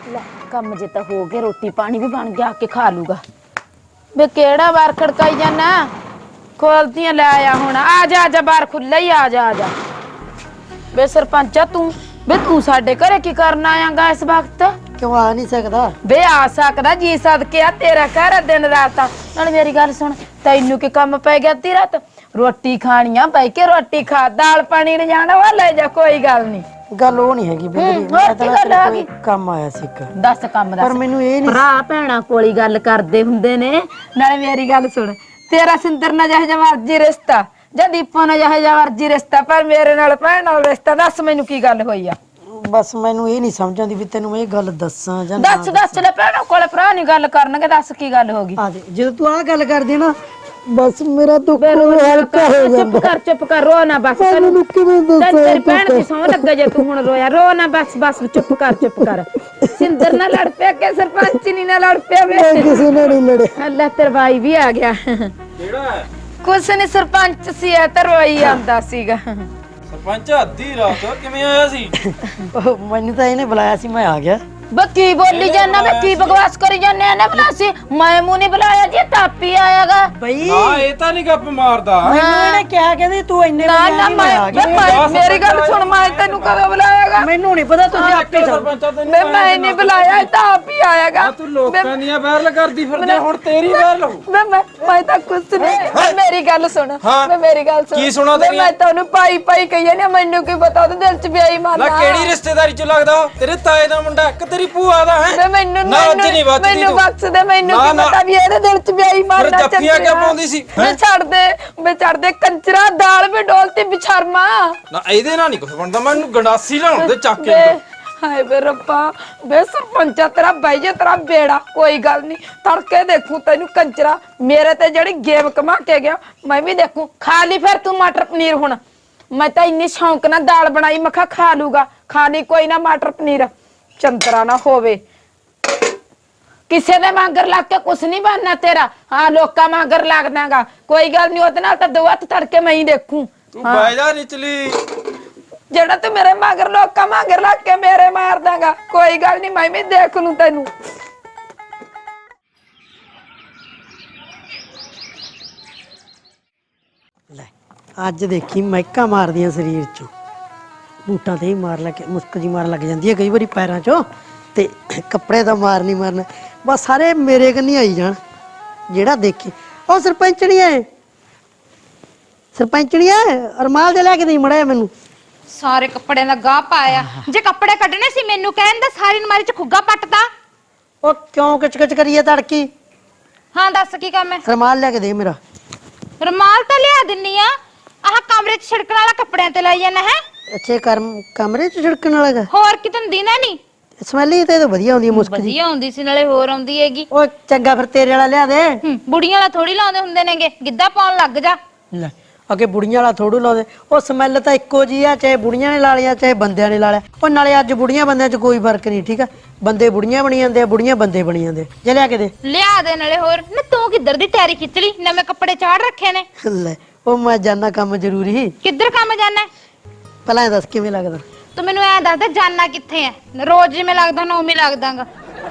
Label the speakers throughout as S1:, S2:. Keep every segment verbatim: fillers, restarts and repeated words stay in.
S1: ਲੈ ਕੰਮ ਜੇ ਤਾਂ ਹੋ ਗਿਆ, ਰੋਟੀ ਪਾਣੀ भी बन गया, आके खा लूगा। बे केड़ा बार खड़काई जाना, खोलतियां ले आया हुण। आ जा आ जा, बार खुला ही, आ जा आ जा। बे सरपंचा तू बे तू साडे घरे की करना आयागा इस वक्त?
S2: क्यों आ नहीं सकदा?
S1: बे आ सकदा जी, सदके आ तेरा घर दिन रात। नाल मेरी गल सुन, तैनू की काम पै गया अद्धी रात? रोटी खानी आ, बह के रोटी खा, दाल पानी ले जाना वा ले जा, कोई गल नहीं।
S2: ਗੱਲ ਉਹ ਨਹੀਂ ਹੈਗੀ ਬੇਬੀ, ਮੈਂ ਤਾਂ ਕੋਈ ਕੰਮ ਆਇਆ ਸੀ ਇੱਕ।
S1: ਦੱਸ ਕੰਮ ਦੱਸ।
S2: ਪਰ ਮੈਨੂੰ ਇਹ ਨਹੀਂ,
S1: ਭਰਾ ਭੈਣਾ ਕੋਲੀ ਗੱਲ ਕਰਦੇ ਹੁੰਦੇ ਨੇ। ਨਾਲੇ ਮੇਰੀ ਗੱਲ ਸੁਣ, ਤੇਰਾ ਸਿੰਦਰ ਨਾਲ ਜਿਹੋ ਜਿਹਾ ਮਰਜ਼ੀ ਰਿਸ਼ਤਾ, ਜਾਂ ਦੀਪੋ ਨਾਲ ਜਿਹੋ ਜਿਹਾ ਮਰਜ਼ੀ ਰਿਸ਼ਤਾ, ਪਰ ਮੇਰੇ ਨਾਲ ਭੈਣ ਨਾਲ ਰਿਸ਼ਤਾ। ਦੱਸ ਮੈਨੂੰ ਕੀ ਗੱਲ ਹੋਈ ਆ?
S2: ਬਸ ਮੈਨੂੰ ਇਹ ਨਹੀਂ ਸਮਝ ਆਉਂਦੀ ਵੀ ਤੈਨੂੰ ਮੈਂ ਇਹ ਗੱਲ ਦੱਸਾਂ ਜਾਂ
S1: ਦੱਸ ਦੱਸ ਲੈ, ਭੈਣਾਂ ਕੋਲੇ ਭਰਾ ਨਹੀਂ ਗੱਲ ਕਰਨਗੇ। ਦੱਸ ਕੀ ਗੱਲ ਹੋ ਗਈ?
S2: ਆ ਦੇ, ਜਦੋਂ ਤੂੰ ਆਹ ਗੱਲ ਕਰਦੀ ਨਾ, ਬਸ ਮੇਰਾ ਦੁੱਖ ਹਲਕਾ ਹੋ ਜਾਂਦਾ।
S1: ਚੁੱਪ ਕਰ ਚੁੱਪ ਕਰ, ਰੋ ਨਾ ਬਸ। ਤੈਨੂੰ
S2: ਕਿਵੇਂ ਦੱਸਾਂ?
S1: ਤੇਰੀ ਭੈਣ ਦੀ ਸਹੁੰ ਲੱਗੇ ਜੇ ਤੂੰ ਹੁਣ ਰੋਇਆ। ਰੋ ਨਾ ਬਸ ਬਸ, ਚੁੱਪ ਕਰ ਚੁੱਪ ਕਰ। ਸਿੰਦਰ ਨਾਲ ਲੜ ਪਿਆ ਕਿ ਸਰਪੰਚ ਨਹੀਂ ਨਾਲ ਲੜ ਪਿਆ? ਵੇ
S2: ਕਿਸੇ ਨਾਲ ਨਹੀਂ ਲੜੇ।
S1: ਅੱਲਾ ਤੇਰਾ ਭਾਈ ਵੀ ਆ ਗਿਆ।
S3: ਕਿਹੜਾ?
S1: ਕੁਛ ਨਹੀਂ, ਸਰਪੰਚ ਸੀ ਐ ਤਾਂ ਰੋਈ ਆਂਦਾ ਸੀਗਾ।
S3: ਸਰਪੰਚ ਅੱਧੀ ਰਾਤ ਕਿਵੇਂ ਆਇਆ ਸੀ?
S2: ਮੈਨੂੰ ਤਾਂ ਇਹਨੇ ਬੁਲਾਇਆ ਸੀ, ਮੈਂ ਆ ਗਿਆ।
S1: बकी बोली जाना, मैं की बकवास करी जाने ना बुलासी। मैं मुंह नहीं बुलाया जी, तापी आएगा
S2: ਬਈ
S3: ਹਾਂ ਇਹ ਤਾਂ ਨਹੀਂ ਗੱਪ ਮਾਰਦਾ।
S2: ਮੈਨੂੰ ਇਹਨੇ ਕਿਹਾ ਕਹਿੰਦੀ ਤੂੰ ਇੰਨੇ
S1: ना
S2: ਵਜੇ
S1: ना,
S2: ਆਈ, ਮੈਂ ਆ ਗਿਆ।
S1: मैं मैं- मेरी गल सुन, मैं तेनू कदों बुलाएगा?
S2: ਮੈਨੂੰ ਨਹੀਂ ਪਤਾ, ਤੁਸੀਂ ਆਪੇ ਜਾਓ।
S3: ਸਰਪੰਚਾ ਤੈਨੂੰ
S1: मैं मैं नहीं बुलाया, ताप ही आएगा।
S3: ਆ ਤੂੰ ਲੋਕਾਂ ਦੀਆਂ ਵਾਇਰਲ ਕਰਦੀ ਫਿਰਦੇ, ਹੁਣ ਤੇਰੀ ਵਾਇਰਲ ਹੋ।
S1: मैं मैं मैं तो कुछ नहीं। मैं मेरी गल सुन,
S3: हाँ।
S1: मैं मेरी गल सुन।
S3: की सुना
S1: मैं
S3: तेरी?
S1: मैं तैनू पाई पाई कही ना, मैनू की पता ओदे दिल च बेईमान
S3: ਨਾ ਕਿਹੜੀ ਰਿਸ਼ਤੇਦਾਰੀ ਚ ਲੱਗਦਾ ਉਹ? ਤੇਰੇ ਤਾਏ ਦਾ ਮੁੰਡਾ ਕਿ ਤੇਰੀ ਭੂਆ ਦਾ ਹੈ?
S1: मैं मैनू
S3: ਨਾ ਅੱਜ ਨਹੀਂ ਵੱਜਦੀ
S1: मैनू
S3: ਤੂੰ।
S1: बख्श दे, मैनू
S3: ना,
S1: की
S3: ना।
S1: पता भी ਇਹਦੇ ਦਿਲ ਚ बेईमान
S3: ਫਿਰ
S1: ना
S3: ਜੱਫੀਆਂ ਕਿਉਂ ਪਾਉਂਦੀ ਸੀ?
S1: मैं छड़ दे, मैं छड़ दे कंजरा, दाल भी डोलती बिछरमा।
S3: ਨਾ ਇਹਦੇ ਨਾਲ ਨਹੀਂ ਕੁਝ ਬਣਦਾ, ਮੈਨੂੰ ਗੰਡਾਸੀ ਲਾਉਣ ਦੇ ਚੱਕ ਕੇ
S1: बे
S3: ਅੰਦਰ।
S1: हाय बे रब्बा, बे सरपंचा तेरा भाई जे तेरा बेड़ा, कोई गल नहीं, तड़के देखूं तैनू कंजरा। मेरे ते जड़ी गेम कमा के गया, मैं भी देखूं। खा ली फिर तू मटर पनीर हुण। मैं तो इन्नी शौक ना दाल बनाई, मैं खा खा लूगा। खा ली कोई ना मटर पनीर, चंतरा ना होवे। किसे दे मांगर लग के कुछ नहीं बनना तेरा। हाँ लोका मांगर लग देगा, कोई गल नहीं। ओदे नाल तां दो हत्थ तड़के मैं ही देखूं।
S3: ਤੂੰ ਬਹਿ ਜਾ ਨਿਚਲੀ।
S1: जेड़ा तू मेरे मगर लोका मगर लग के मेरे मार देगा, कोई गल नहीं, मैं भी देख लूं तेनू।
S2: ਲੈ ਅੱਜ ਦੇਖੀ ਮਹਿਕਾਂ ਮਾਰਦੀਆਂ ਸਰੀਰ ਚੋਂ, ਬੂਟਾਂ ਤੇ ਹੀ ਮਾਰ ਲੱਗ ਮੁਸਕ ਜੀ ਮਾਰ ਲੱਗ ਜਾਂਦੀ ਹੈ ਕਈ ਵਾਰੀ ਪੈਰਾਂ ਚੋਂ, ਤੇ ਕੱਪੜੇ ਤਾਂ ਮਾਰ ਨਹੀਂ ਮਾਰਨਾ। ਬਸ ਸਾਰੇ ਮੇਰੇ ਕੰਨੀ ਆਈ ਜਾਣ, ਜਿਹੜਾ ਦੇਖੇ। ਉਹ ਸਰਪੰਚਣੀ ਹੈ, ਸਰਪੰਚਣੀ ਹੈ, ਅਰਮਾਲ ਦੇ ਲੈ ਕੇ ਦੇਈ ਮੜਿਆ ਮੈਨੂੰ।
S4: ਸਾਰੇ ਕੱਪੜਿਆਂ ਦਾ ਗਾਹ ਪਾਇਆ। ਜੇ ਕੱਪੜੇ ਕੱਢਣੇ ਸੀ ਮੈਨੂੰ ਕਹਿੰਦਾ, ਸਾਰੀ ਅਲਮਾਰੀ ਚ ਖੁੱਗਾ ਪੱਟਦਾ।
S2: ਉਹ ਕਿਉਂ ਕਿਚ ਕਿਚ ਕਰੀਏ ਤੜਕੀ?
S4: ਹਾਂ ਦੱਸ ਕੀ ਕੰਮ ਹੈ?
S2: ਰਮਾਲ ਲੈ ਕੇ ਦੇ ਮੇਰਾ।
S4: ਰੁਮਾਲ ਤਾਂ ਲਿਆ ਦਿੰਨੀ ਆ, ਆਹ ਕਮਰੇ ਚ ਛਿੜਕਣ ਵਾਲਾ ਕੱਪੜਿਆਂ ਤੇ ਲਾਈ ਜਾਣਾ ਹੈ।
S2: ਅੱਛੇ ਕਰਮ ਕਮਰੇ ਚ ਛਿੜਕਣ ਵਾਲਾ ਗਾ?
S4: ਹੋਰ ਕਿਤੇ ਦਿੰਦਾ ਨਹੀਂ।
S2: ਸਮੈਲ ਹੀ ਤੇ ਵਧੀਆ ਹੁੰਦੀ ਹੈ ਮੁਸਕ ਜੀ।
S4: ਵਧੀਆ ਹੁੰਦੀ ਸੀ, ਨਾਲੇ ਹੋਰ ਆਉਂਦੀ ਹੈਗੀ।
S2: ਉਹ ਚੰਗਾ ਫਿਰ ਤੇਰੇ ਵਾਲਾ ਲਿਆ ਦੇ।
S4: ਹੂੰ, ਬੁੜੀਆਂ ਵਾਲਾ ਥੋੜੀ ਲਾਉਂਦੇ ਹੁੰਦੇ ਨੇਗੇ, ਗਿੱਧਾ ਪਾਉਣ ਲੱਗ ਜਾ।
S2: ਲੈ ਅੱਗੇ ਬੁੜੀਆਂ ਵਾਲਾ ਥੋੜੂ ਲਾਉਂਦੇ, ਉਹ ਸਮੈਲ ਤਾਂ ਇੱਕੋ ਜੀ ਆ, ਚਾਹੇ ਬੁੜੀਆਂ ਨੇ ਲਾ ਲਿਆ ਚਾਹੇ ਬੰਦਿਆਂ ਨੇ ਲਾ ਲਿਆ। ਉਹ ਨਾਲੇ ਅੱਜ ਬੁੜੀਆਂ ਬੰਦਿਆਂ 'ਚ ਕੋਈ ਫਰਕ ਨਹੀਂ, ਠੀਕ ਆ? ਬੰਦੇ ਬੁੜੀਆਂ ਬਣੀ ਜਾਂਦੇ ਆ, ਬੁੜੀਆਂ ਬੰਦੇ ਬਣੀ ਜਾਂਦੇ। ਜੇ ਲਿਆ ਕੇ ਦੇ।
S4: ਲਿਆ ਦੇ ਨਾਲੇ ਹੋਰ ਨਾ। ਤੂੰ ਕਿੱਧਰ ਦੀ ਤਿਆਰੀ ਖਿੱਚ ਲਈ, ਨਵੇਂ ਕੱਪੜੇ ਚਾੜ ਰੱਖੇ ਨੇ।
S2: ਲੈ ਉਹ ਮੈਂ ਜਾਨਾ ਕੰਮ ਜ਼ਰੂਰੀ।
S4: ਕਿੱਧਰ ਕੰਮ ਜਾਣਾ?
S2: ਪਹਿਲਾਂ ਇਹ ਦੱਸ ਕਿਵੇਂ ਲੱਗਦਾ?
S4: ਤੂੰ ਮੈਨੂੰ ਐ ਦੱਸ ਦੇ, ਜਾਣਾ ਕਿੱਥੇ ਐ? ਰੋਜ਼ ਜਿਵੇਂ ਲੱਗਦਾ ਨਾ ਉਵੇਂ ਲੱਗਦਾਗਾ।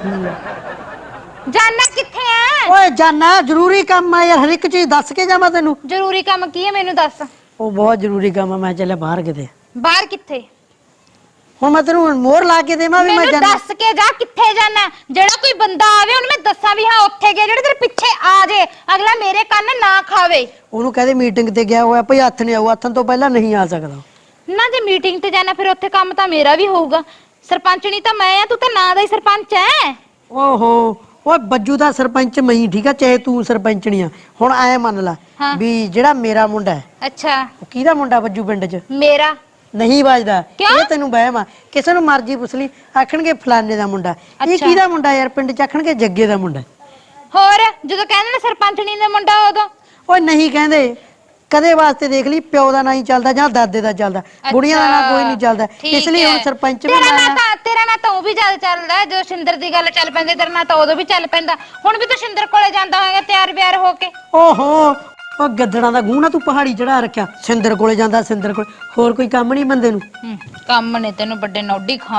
S4: ਜਾਣਾ ਕਿੱਥੇ ਐ?
S2: ਓਏ ਜਾਨਾ ਜ਼ਰੂਰੀ ਕੰਮ ਆ ਯਾਰ, ਹਰ ਇੱਕ ਚੀਜ਼ ਦੱਸ ਕੇ ਜਾਵਾਂ ਤੈਨੂੰ?
S4: ਜ਼ਰੂਰੀ ਕੰਮ ਕੀ ਹੈ ਮੈਨੂੰ ਦੱਸ।
S2: ਉਹ ਬਹੁਤ ਜ਼ਰੂਰੀ ਕੰਮ ਆ, ਮੈਂ ਚੱਲਿਆ ਬਾਹਰ ਕਿਤੇ।
S4: ਬਾਹਰ ਕਿੱਥੇ?
S2: ਹੁਣ ਮੈਂ ਤੈਨੂੰ ਮੋਹਰ ਲਾ ਕੇ ਦੇਵਾਂ ਵੀ ਮੈਂ
S4: ਮੈਨੂੰ
S2: ਜਾਨਾ?
S4: ਦੱਸ ਕੇ ਜਾ ਕਿੱਥੇ ਜਾਣਾ। ਜਿਹੜਾ ਕੋਈ ਬੰਦਾ ਆਵੇ ਉਹਨੂੰ ਮੈਂ ਦੱਸਾਂ ਵੀ ਹਾਂ ਉੱਥੇ ਗਿਆ, ਜਿਹੜੇ ਤੇਰੇ ਪਿੱਛੇ ਆ ਜੇ ਅਗਲਾ ਮੇਰੇ ਕੰਨ ਨਾ ਖਾਵੇ।
S2: ਉਹਨੂੰ ਕਹਦੇ ਮੀਟਿੰਗ ਤੇ ਗਿਆ ਹੋਇਆ ਭਈ, ਹੱਥ ਨਹੀਂ ਆਊ, ਹੱਥਾਂ ਤੋਂ ਪਹਿਲਾਂ ਨਹੀਂ ਆ ਸਕਦਾ।
S4: ਨਾ ਜੇ ਮੀਟਿੰਗ ਤੇ ਜਾਣਾ ਫਿਰ ਉੱਥੇ ਕੰਮ ਤਾਂ ਮੇਰਾ ਵੀ ਹੋਊਗਾ। ਸਰਪੰਚਣੀ ਤਾਂ ਮੈਂ ਆ, ਤੂੰ ਤਾਂ ਨਾਂ ਦਾ ਹੀ ਸਰਪੰਚ ਐ।
S2: ਓਹੋ ਓਏ ਬੱਜੂ ਦਾ ਸਰਪੰਚ ਮੈਂ ਹੀ, ਠੀਕ ਆ? ਚਾਹੇ ਤੂੰ ਸਰਪੰਚਣੀ ਆ। ਹੁਣ ਐ ਮੰਨ ਲੈ ਵੀ ਜਿਹੜਾ ਮੇਰਾ ਮੁੰਡਾ ਹੈ,
S4: ਅੱਛਾ
S2: ਉਹ ਕਿਹਦਾ ਮੁੰਡਾ ਬੱਜੂ ਪਿੰਡ 'ਚ?
S4: ਮੇਰਾ
S2: ਨਹੀਂ ਵੱਜਦਾ।
S4: ਕਿਉਂ?
S2: ਇਹ ਤੈਨੂੰ ਵਹਿਮ ਆ, ਕਿਸੇ ਨੂੰ ਮਰਜ਼ੀ ਪੁੱਛ ਲਈ, ਆਖਣਗੇ ਫਲਾਣੇ ਦਾ ਮੁੰਡਾ। ਇਹ
S4: ਅੱਛਾ।
S2: ਕਿਹਦਾ ਮੁੰਡਾ ਯਾਰ? ਪਿੰਡ 'ਚ ਆਖਣਗੇ ਜੱਗੇ ਦਾ ਮੁੰਡਾ।
S4: ਹੋਰ ਜਦੋਂ ਕਹਿੰਦੇ ਨੇ ਸਰਪੰਚਣੀ ਦਾ ਮੁੰਡਾ ਉਦੋਂ
S2: ਓਏ ਨਹੀਂ ਕਹਿੰਦੇ, ਕਦੇ ਵਾਸਤੇ ਦੇਖ ਲਈ ਪਿਓ ਦਾ ਨਾਂ ਹੀ ਚੱਲਦਾ ਜਾਂ ਦਾਦੇ ਦਾ ਚੱਲਦਾ, ਬੁੜੀਆਂ ਦਾ ਨਾਂ ਕੋਈ ਨਹੀਂ ਚੱਲਦਾ। ਇਸ ਲਈ ਹੁਣ ਸਰਪੰਚ ਵੀ
S4: ਤੇਰਾ ਨਾਂ
S2: ਨਾਂ
S4: ਤਾਂ ਤੇਰਾ ਨਾਂ ਤਾਂ ਉਹ ਵੀ ਜ਼ਿਆਦਾ ਚੱਲਦਾ। ਜਦੋਂ ਸ਼ਿੰਦਰ ਦੀ ਗੱਲ ਚੱਲ ਪੈਂਦੀ ਤੇਰਾ ਨਾਂ ਤਾਂ ਉਦੋਂ ਵੀ ਚੱਲ ਪੈਂਦਾ। ਹੁਣ ਵੀ ਤੂੰ ਸ਼ਿੰਦਰ ਕੋਲੇ ਜਾਂਦਾ ਹੋਏਗਾ ਤਿਆਰ ਬਿਆਰ ਹੋ ਕੇ।
S2: ਓਹੋ ਉਹ ਗੱਦੜਾਂ ਦਾ ਗੂੰ ਨਾ ਤੂੰ ਪਹਾੜੀ ਚੜਾ ਰੱਖਿਆ। ਸਿੰਦਰ ਕੋਲੇ ਜਾਂਦਾ, ਸਿੰਦਰ ਕੋਲੇ। ਹੋਰ ਕੋਈ ਕੰਮ ਨਹੀਂ ਬੰਦੇ ਨੂੰ?
S4: ਕੰਮ ਨੇ ਤੈਨੂੰ ਵੱਡੇ ਨੌਡੀ ਖਾਨ ਨੂੰ।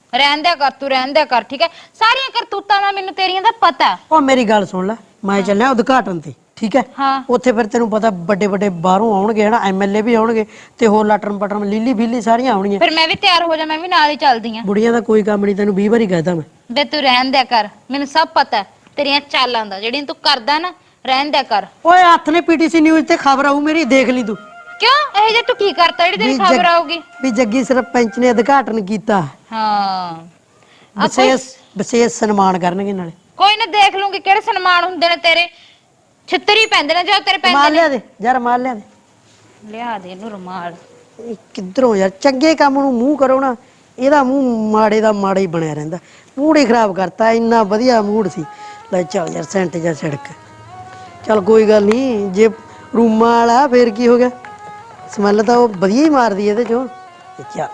S4: ਰਹਿਣ ਦਿਆ ਕਰ ਤੂੰ ਰਹਿਣ ਦਿਆ ਕਰ ਠੀਕ ਹੈ ਸਾਰੀਆਂ ਕਰਤੂਤਾਂ ਦਾ ਮੈਨੂੰ ਤੇਰੀਆਂ ਦਾ ਪਤਾ
S2: ਉਹ ਮੇਰੀ ਗੱਲ ਸੁਣ ਲੈ ਮੈਂ ਚੱਲਿਆ ਉਦਘਾਟਨ ਤੇ ਠੀਕ ਹੈ
S4: ਹਾਂ
S2: ਉੱਥੇ ਫਿਰ ਤੈਨੂੰ ਪਤਾ ਵੱਡੇ ਵੱਡੇ ਬਾਹਰੋਂ ਆਉਣਗੇ ਹਨਾ ਐਮਐਲਏ ਵੀ ਆਉਣਗੇ ਤੇ ਹੋਰ ਲਾਟਰਮ ਪਟਰਮ ਲੀਲੀ ਬੀਲੀ ਸਾਰੀਆਂ ਆਉਣਗੀਆਂ
S4: ਫਿਰ ਮੈਂ ਵੀ ਤਿਆਰ ਹੋ ਜਾ ਮੈਂ ਵੀ ਨਾਲ ਹੀ ਚੱਲਦੀ ਆ
S2: ਬੁੜੀਆਂ ਦਾ ਕੋਈ ਕੰਮ ਨਹੀਂ ਤੈਨੂੰ ਵੀਹ ਵਾਰੀ ਕਹਿਦਾ ਮੈਂ
S4: ਬੇ ਤੂੰ ਰਹਿਣ ਦਿਆ ਕਰ ਮੈਨੂੰ ਸਭ ਪਤਾ ਤੇਰੀਆਂ ਚਾਲਾਂ ਦਾ ਜਿਹੜੀਆਂ ਤੂੰ ਕਰਦਾ ਨਾ ਰਹਿਣ ਦਿਆ ਕਰ
S2: ਓਏ ਹੱਥ ਨੇ ਪੀਟੀਸੀ ਨਿਊਜ਼ ਤੇ ਖਬਰ ਆਊ ਮੇਰੀ ਦੇਖ ਲਈ ਤੂੰ
S4: ਕਿਉਂ ਇਹ ਜੇ ਤੂੰ ਕੀ ਕਰਤਾ ਜਿਹੜੀ ਤੇਰੀ
S2: ਵੀ ਜੱਗ-
S4: ਖਬਰ ਆਊਗੀ
S2: ਵੀ ਜੱਗੀ ਸਰਪੰਚ ਨੇ ਉਦਘਾਟਨ ਕੀਤਾ
S4: ਹਾਂ
S2: ਵਿਸ਼ੇਸ਼ ਵਿਸ਼ੇਸ਼ ਸਨਮਾਨ ਕਰਨਗੇ ਨਾਲੇ
S4: ਕੋਈ ਨਾ ਦੇਖ ਲੂੰਗੀ ਕਿਹੜੇ ਸਨਮਾਨ ਹੁੰਦੇ ਨੇ ਤੇਰੇ ਛਿੱਤਰੀ ਪੈਂਦੇ ਨੇ ਜੋ ਤੇਰੇ ਪੈਂਦੇ
S2: ਰਮਾਲ
S4: ਨੇ
S2: ਲਿਆ ਦੇ ਯਾਰ ਰਮਾਲ ਲਿਆ ਦੇ
S4: ਲਿਆ ਦੇ ਇਹਨੂੰ ਰੁਮਾਲ
S2: ਇਹ ਕਿੱਧਰੋਂ ਯਾਰ ਚੰਗੇ ਕੰਮ ਨੂੰ ਮੂੰਹ ਕਰੋ ਨਾ ਇਹਦਾ ਮੂੰਹ ਮਾੜੇ ਦਾ ਮਾੜਾ ਹੀ ਬਣਿਆ ਰਹਿੰਦਾ ਮੂਡ ਹੀ ਖਰਾਬ ਕਰਤਾ ਇੰਨਾ ਵਧੀਆ ਮੂਡ ਸੀ ਲੈ ਚੱਲ ਯਾਰ ਸੈਂਟ ਜਾ ਛੜਕ ਚੱਲ ਕੋਈ ਗੱਲ ਨਹੀਂ ਜੇ ਰੂਮਾਂ ਵਾਲਾ ਫੇਰ ਕੀ ਹੋ ਗਿਆ ਸਮੈਲ ਤਾਂ ਉਹ ਵਧੀਆ ਹੀ ਮਾਰਦੀ ਇਹਦੇ ਚੋਂ ਤੇ ਚੱਲ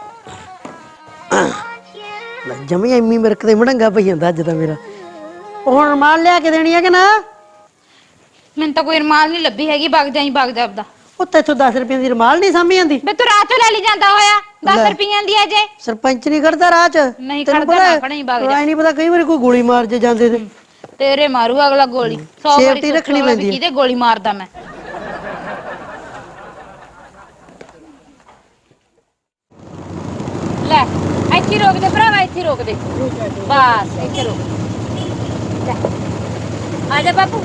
S2: ਲੈ ਜਮੀ ਐਮੀ ਮਿਰਕ ਦੇ ਮੜੰਗਾ ਪਈ ਜਾਂਦਾ ਅੱਜ ਤਾਂ ਮੇਰਾ ਉਹ ਹੁਣ ਰਮਾਲ ਲਿਆ ਕੇ ਦੇਣੀ ਹੈ ਕਿ ਨਾ
S4: ਮੈਨੂੰ ਤਾਂ ਕੋਈ ਰੁਮਾਲ ਨਹੀਂ ਲੱਭੀ ਹੈਗੀ ਵਗ ਜਾਈ ਵਗ ਜਾ ਆਪਦਾ
S2: ਉਹ ਤੈਥੋਂ ਦਸ ਰੁਪਏ ਦੀ ਰਮਾਲ ਨਹੀਂ ਸਾਂਭੀ ਜਾਂਦੀ
S4: ਬੇ ਤੂੰ ਰਾਹ ਚੋਂ ਲੈ ਲਈ ਜਾਂਦਾ ਹੋਇਆ ਦਸ
S2: ਲੈ।
S4: ਰੁਪਈਆਂ ਦੀ ਆ ਜੇ
S2: ਸਰਪੰਚ ਨਹੀਂ ਕਰਦਾ ਰਾਹ ਚ
S4: ਨਹੀਂ
S2: ਤੈਨੂੰ
S4: ਖੜਦਾ
S2: ਪਤਾ
S4: ਨਾ ਖੜੀ ਵਗ ਜਾ
S2: ਐ ਨਹੀਂ ਪਤਾ ਕਈ ਵਾਰੀ ਕੋਈ ਗੋਲੀ ਮਾਰ ਜੇ ਜਾਂਦੇ ਤੇ
S4: ਤੇਰੇ ਮਾਰੂ ਅਗਲਾ ਗੋਲੀ ਸੌ ਵਾਰੀ
S2: Safety ਰੱਖਣੀ
S4: ਸੋਚੂਗਾ ਵੀ
S2: ਪੈਂਦੀ ਹੈ।
S4: ਕਿਹਦੇ ਗੋਲੀ ਮਾਰਦਾ ਮੈਂ ਲੈ ਇੱਥੇ ਰੋਕ ਦੇ ਭਰਾਵਾ ਇੱਥੇ ਰੋਕ ਦੇ ਬਸ ਇੱਥੇ ਰੋਕ ਲੈ ਆ ਜਾ ਬਾਪੂ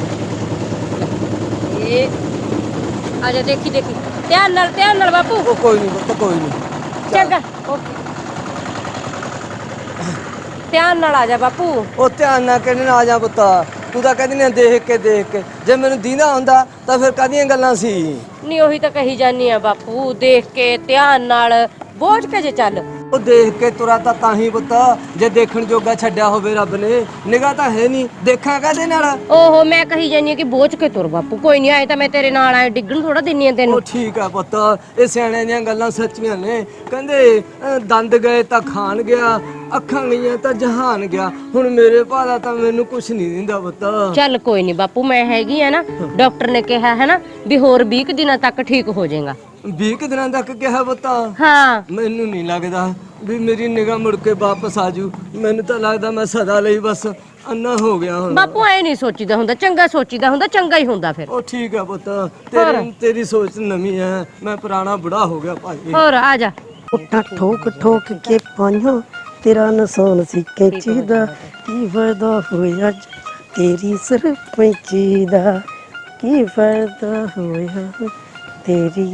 S4: ਇਹ ਆ ਜਾ ਦੇਖੀ ਦੇਖੀ ਧਿਆਨ ਨਾਲ ਧਿਆਨ ਨਾਲ ਬਾਪੂ
S3: ਉਹ ਕੋਈ ਨਹੀਂ ਪੁੱਤ ਕੋਈ ਨਹੀਂ
S4: ਚੰਗਾ ਓਕੇ ਧਿਆਨ ਨਾਲ ਆ ਜਾ ਬਾਪੂ
S3: ਉਹ ਧਿਆਨ ਨਾਲ ਕਹਿੰਦੇ ਨਾ ਆ ਜਾ ਪੁੱਤ ਤੂੰ ਤਾਂ ਕਹਿੰਦੀ ਨੇ ਦੇਖ ਕੇ ਦੇਖ ਕੇ ਜੇ ਮੈਨੂੰ ਦੀਨਾ ਹੁੰਦਾ ਤਾਂ ਫਿਰ ਕਾਹਦੀਆਂ ਗੱਲਾਂ ਸੀ
S5: ਨਹੀਂ ਉਹੀ ਤਾਂ ਕਹੀ ਜਾਨੀ ਆ ਬਾਪੂ ਦੇਖ ਕੇ ਧਿਆਨ ਨਾਲ ਬੋਝ ਕੇ ਜੇ ਚੱਲ
S3: ਉਹ ਦੇਖ ਕੇ ਤੁਰਾ ਤਾਂ ਤਾਂ ਹੀ ਪੁੱਤ ਜੇ ਦੇਖਣ ਜੋਗਾ ਛੱਡਿਆ ਹੋਵੇ ਰੱਬ ਨੇ ਨਿਗਾਹ ਤਾਂ ਹੈ ਨਹੀਂ ਦੇਖਾਂ ਕਾਹਦੇ ਨਾਲ
S5: ਓਹੋ ਮੈਂ ਕਹੀ ਜਾਨੀ ਆ ਕਿ ਬੋਝ ਕੇ ਤੁਰ ਬਾਪੂ ਕੋਈ ਨਹੀਂ ਆਏ ਤਾਂ ਮੈਂ ਤੇਰੇ ਨਾਲ ਆਏ ਡਿੱਗਣ ਥੋੜਾ ਦਿੰਨੀ ਆ
S3: ਉਹ
S5: ਤੈਨੂੰ
S3: ਠੀਕ ਆ ਪੁੱਤ ਇਹ ਸਿਆਣਿਆਂ ਦੀਆਂ ਗੱਲਾਂ ਸੱਚੀਆਂ ਨੇ ਕਹਿੰਦੇ ਅਹ, ਦੰਦ ਗਏ ਤਾਂ ਖਾਣ ਗਿਆ ਅੱਖਾਂ ਗਈਆਂ ਤਾਂ ਜਹਾਨ ਗਿਆ ਹੁਣ ਮੇਰੇ ਭਾਦਾ ਤਾਂ ਮੈਨੂੰ ਕੁਛ ਨਹੀਂ ਦਿੰਦਾ ਪੁੱਤ
S5: ਚੱਲ ਕੋਈ ਨਹੀਂ ਬਾਪੂ ਮੈਂ ਹੈਗੀ ਆ ਨਾ ਡਾਕਟਰ ਨੇ ਕਿਹਾ ਹੈ ਨਾ ਵੀ ਹੋਰ ਵੀਹ ਕੁ ਦਿਨਾਂ ਤੱਕ ਠੀਕ ਹੋ ਜਾਏਗਾ
S3: ਵੀਹ ਕੁ ਦਿਨਾਂ ਤੱਕ ਕਿਹਾ ਪੁੱਤ
S5: ਹਾਂ
S3: ਮੈਨੂੰ ਨਹੀਂ ਲੱਗਦਾ ਵੀ ਮੇਰੀ ਨਿਗਾਹ ਮੁੜ ਕੇ ਵਾਪਸ ਆਜੂ ਮੈਨੂੰ ਤਾਂ ਲੱਗਦਾ ਮੈਂ ਸਦਾ ਲਈ ਬਸ ਅੰਨਾ ਹੋ ਗਿਆ ਹੁਣ
S5: ਬਾਪੂ ਐ ਨਹੀਂ ਸੋਚੀਦਾ ਹੁੰਦਾ ਚੰਗਾ ਸੋਚੀਦਾ ਹੁੰਦਾ ਚੰਗਾ ਹੀ ਹੁੰਦਾ ਫਿਰ
S3: ਉਹ ਠੀਕ ਆ ਪੁੱਤ ਤੇਰੀ ਤੇਰੀ ਸੋਚ ਨਵੀਂ ਹੈ ਮੈਂ ਪੁਰਾਣਾ ਬੁੜਾ ਹੋ ਗਿਆ ਭਾਈ
S5: ਹੋਰ ਆ ਜਾ
S2: ਉੱਠਾ ਠੋਕ ਠੋਕ ਕੇ ਪਾਈਆਂ ਤੇਰਾ ਨਸਾਨ ਸੀ ਕੈਂਚੀ ਦਾ ਕੀ ਫਾਇਦਾ ਹੋਇਆ ਅੱਜ ਤੇਰੀ ਸਰਪੰਚੀ ਦਾ ਕੀ ਫਾਇਦਾ ਹੋਇਆ ਤੇਰੀ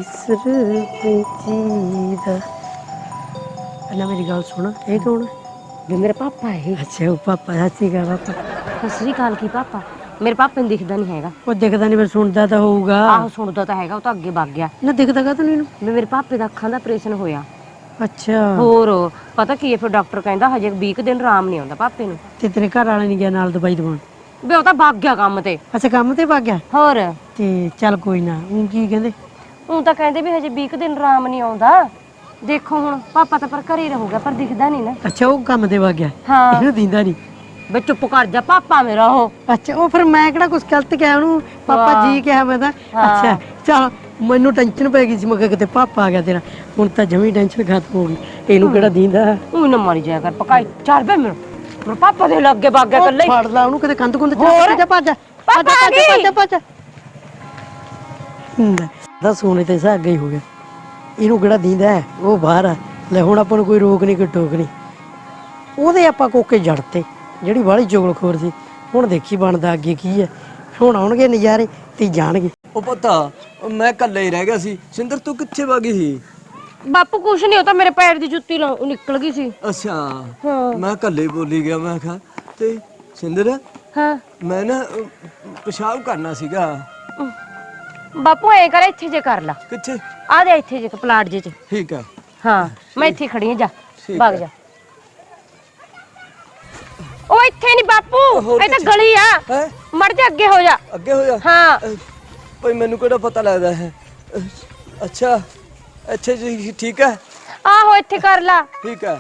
S2: ਸਰਪੰਚੀ ਦਾ ਪਹਿਲਾਂ ਮੇਰੀ ਗੱਲ ਸੁਣ ਇਹ ਕੌਣ ਹੈ?
S5: ਵੀ ਮੇਰੇ ਪਾਪਾ ਹੈ
S2: ਅੱਛਾ ਉਹ ਪਾਪਾ ਹੱਸੀ ਗਾ ਪਾਪਾ
S5: ਸਤਿ ਸ੍ਰੀ ਅਕਾਲ ਕੀ ਪਾਪਾ ਮੇਰੇ ਪਾਪੇ ਨੂੰ ਦਿਖਦਾ ਨਹੀਂ ਹੈਗਾ
S2: ਉਹ ਦਿਖਦਾ ਨਹੀਂ ਪਰ ਸੁਣਦਾ ਤਾਂ ਹੋਊਗਾ
S5: ਆਹੋ ਸੁਣਦਾ ਤਾਂ ਹੈਗਾ ਉਹ ਤਾਂ ਅੱਗੇ ਵਗ ਗਿਆ
S2: ਨਾ ਦਿਖਦਾ ਕਾ ਤੈਨੂੰ
S5: ਵੀ ਮੇਰੇ ਪਾਪੇ ਦਾ ਅੱਖਾਂ ਦਾ ਆਪਰੇਸ਼ਨ ਹੋਇਆ
S2: ਅੱਛਾ
S5: ਹੋਰ ਪਤਾ ਕੀ ਹੈ ਫਿਰ ਡਾਕਟਰ ਕਹਿੰਦਾ ਹਜੇ ਵੀਹ ਕੁ ਦਿਨ ਆਰਾਮ ਨਹੀਂ ਆਉਂਦਾ ਪਾਪੇ ਨੂੰ
S2: ਤੇ ਤੇਰੇ ਘਰ ਵਾਲੇ ਨਹੀਂ ਗਿਆ ਨਾਲ ਦਵਾਈ ਦਵਾਉਣ
S5: ਵੀ ਉਹ ਤਾਂ ਵਗ ਗਿਆ ਕੰਮ ਤੇ
S2: ਅੱਛਾ ਕੰਮ ਤੇ ਭੱਗ ਗਿਆ
S5: ਹੋਰ
S2: ਤੇ ਚੱਲ ਕੋਈ ਨਾ ਉਹ ਕੀ ਕਹਿੰਦੇ
S5: ਉਹ ਤਾਂ ਕਹਿੰਦੇ ਵੀ ਹਜੇ ਵੀਹ ਕੁ ਦਿਨ ਆਰਾਮ ਨਹੀਂ ਆਉਂਦਾ ਦੇਖੋ ਹੁਣ ਪਾਪਾ ਤਾਂ ਪਰ ਘਰੇ ਹੀ ਰਹੂਗਾ ਪਰ ਦਿਖਦਾ ਨਹੀਂ ਨਾ
S2: ਅੱਛਾ ਉਹ ਕੰਮ ਤੇ ਭੱਗ ਗਿਆ
S5: ਹਾਂ
S2: ਇਹਨੂੰ ਦਿੰਦਾ ਨਹੀਂ
S5: ਬੇ ਚੁੱਪ ਕਰ ਜਾ ਪਾਪਾ ਮੇਰਾ ਉਹ
S2: ਅੱਛਾ ਉਹ ਫਿਰ ਮੈਂ ਕਿਹੜਾ ਕੁਝ ਗਲਤ ਕਿਹਾ ਉਹਨੂੰ ਪਾਪਾ ਜੀ ਕਿਹਾ ਮੈਂ ਤਾਂ ਅੱਛਾ ਚਲ ਮੈਨੂੰ ਟੈਨਸ਼ਨ ਪੈ ਗਈ ਸੀ ਮੈਂ ਕਿਹਾ ਕਿਤੇ ਪਾਪਾ ਆ ਗਿਆ ਤੇਰਾ ਹੁਣ ਤਾਂ ਜਮੀ ਟੈਨਸ਼ਨ ਖਤਮ ਹੋ ਗਈ ਇਹਨੂੰ ਕਿਹੜਾ ਦਿੰਦਾ
S5: ਉਹ ਨਾ ਮਾਰੀ ਜਾਇਆ ਕਰ ਪਕਾਈ ਚੱਲ ਬੇ ਮੇਰੇ ਮੇਰੇ ਪਾਪਾ ਦੇ ਲੱਗੇ ਵਗ ਗਿਆ ਕੱਲੇ
S2: ਫੜ ਲਾ ਉਹਨੂੰ ਕਿਤੇ ਕੰਧ ਕੁੰਧ
S5: ਹੋਰ?
S2: ਚੱਲ ਭੱਜ
S5: ਪਾਪਾ ਆ ਗਈ।
S2: ਭੱਜ ਭੱਜ ਹੁੰਦਾ ਦਾ ਸੋਨੇ ਤੇ ਸਾ ਅੱਗੇ ਹੀ ਹੋ ਗਿਆ ਇਹਨੂੰ ਕਿਹੜਾ ਦਿੰਦਾ ਹੈ ਉਹ ਬਾਹਰ ਆ ਲੈ ਹੁਣ ਆਪਾਂ ਨੂੰ ਕੋਈ ਰੋਕ ਨਹੀਂ ਕੋਈ ਟੋਕ ਨਹੀਂ ਉਹਦੇ ਆਪਾਂ ਕੋਕੇ ਜੜਤੇ ਜਿਹੜੀ ਬਾਹਲੀ ਚੁਗਲਖੋਰ ਸੀ ਹੁਣ ਦੇਖੀ ਬਣਦਾ ਅੱਗੇ ਕੀ ਹੈ ਹੁਣ ਆਉਣਗੇ ਨਜ਼ਾਰੇ ਤੇ ਜਾਣਗੇ
S3: ਉਹ ਪਤਾ ਮੈਂ ਇਕੱਲੇ ਹੀ ਰਹਿ ਗਿਆ ਸੀ ਸਿੰਦਰ ਤੂੰ ਕਿੱਥੇ ਵਗੀ ਸੀ
S5: ਬਾਪੂ ਕੁਛ ਨਹੀਂ ਉਹ ਤਾਂ ਮੇਰੇ ਪੈਰ ਦੀ ਜੁੱਤੀ ਲਾ- ਨਿਕਲ ਗਈ ਸੀ
S3: ਅੱਛਾ
S5: ਹਾਂ
S3: ਮੈਂ ਇਕੱਲੇ ਹੀ ਬੋਲੀ ਗਿਆ ਮੈਂ ਕਿਹਾ ਤੇ ਸਿੰਦਰ
S5: ਹਾਂ
S3: ਮੈਂ ਨਾ ਅਹ, ਪਿਸ਼ਾਬ ਕਰਨਾ ਸੀਗਾ
S5: ਬਾਪੂ ਐ ਕਰ ਇੱਥੇ ਜੇ ਕਰ ਲਾ
S3: ਕਿੱਥੇ
S5: ਆ ਜਾ ਇੱਥੇ ਜੇ ਪਲਾਟ ਜੇ ਚ
S3: ਠੀਕ ਆ
S5: ਹਾਂ ਮੈਂ ਇੱਥੇ ਖੜੀ ਆ ਜਾ
S3: ਠੀਕ
S5: ਵਗ ਜਾ ਉਹ ਇੱਥੇ ਨਹੀਂ ਬਾਪੂ
S3: ਹੋਰ
S5: ਇਹ ਤਾਂ
S3: ਕਿੱਥੇ?
S5: ਗਲੀ ਆ
S3: ਹੈ
S5: ਮੜ ਜਾ ਅੱਗੇ ਹੋ ਜਾ
S3: ਅੱਗੇ ਹੋ ਜਾ
S5: ਹਾਂ
S3: ਅਹ, ਭਾਈ ਮੈਨੂੰ ਕਿਹੜਾ ਪਤਾ ਲੱਗਦਾ ਹੈ ਅਹ, ਅੱਛਾ ਅੱਛਾ ਜੀ ਠੀਕ ਹੈ
S5: ਆਹੋ ਇੱਥੇ ਕਰ ਲਾ
S3: ਠੀਕ ਹੈ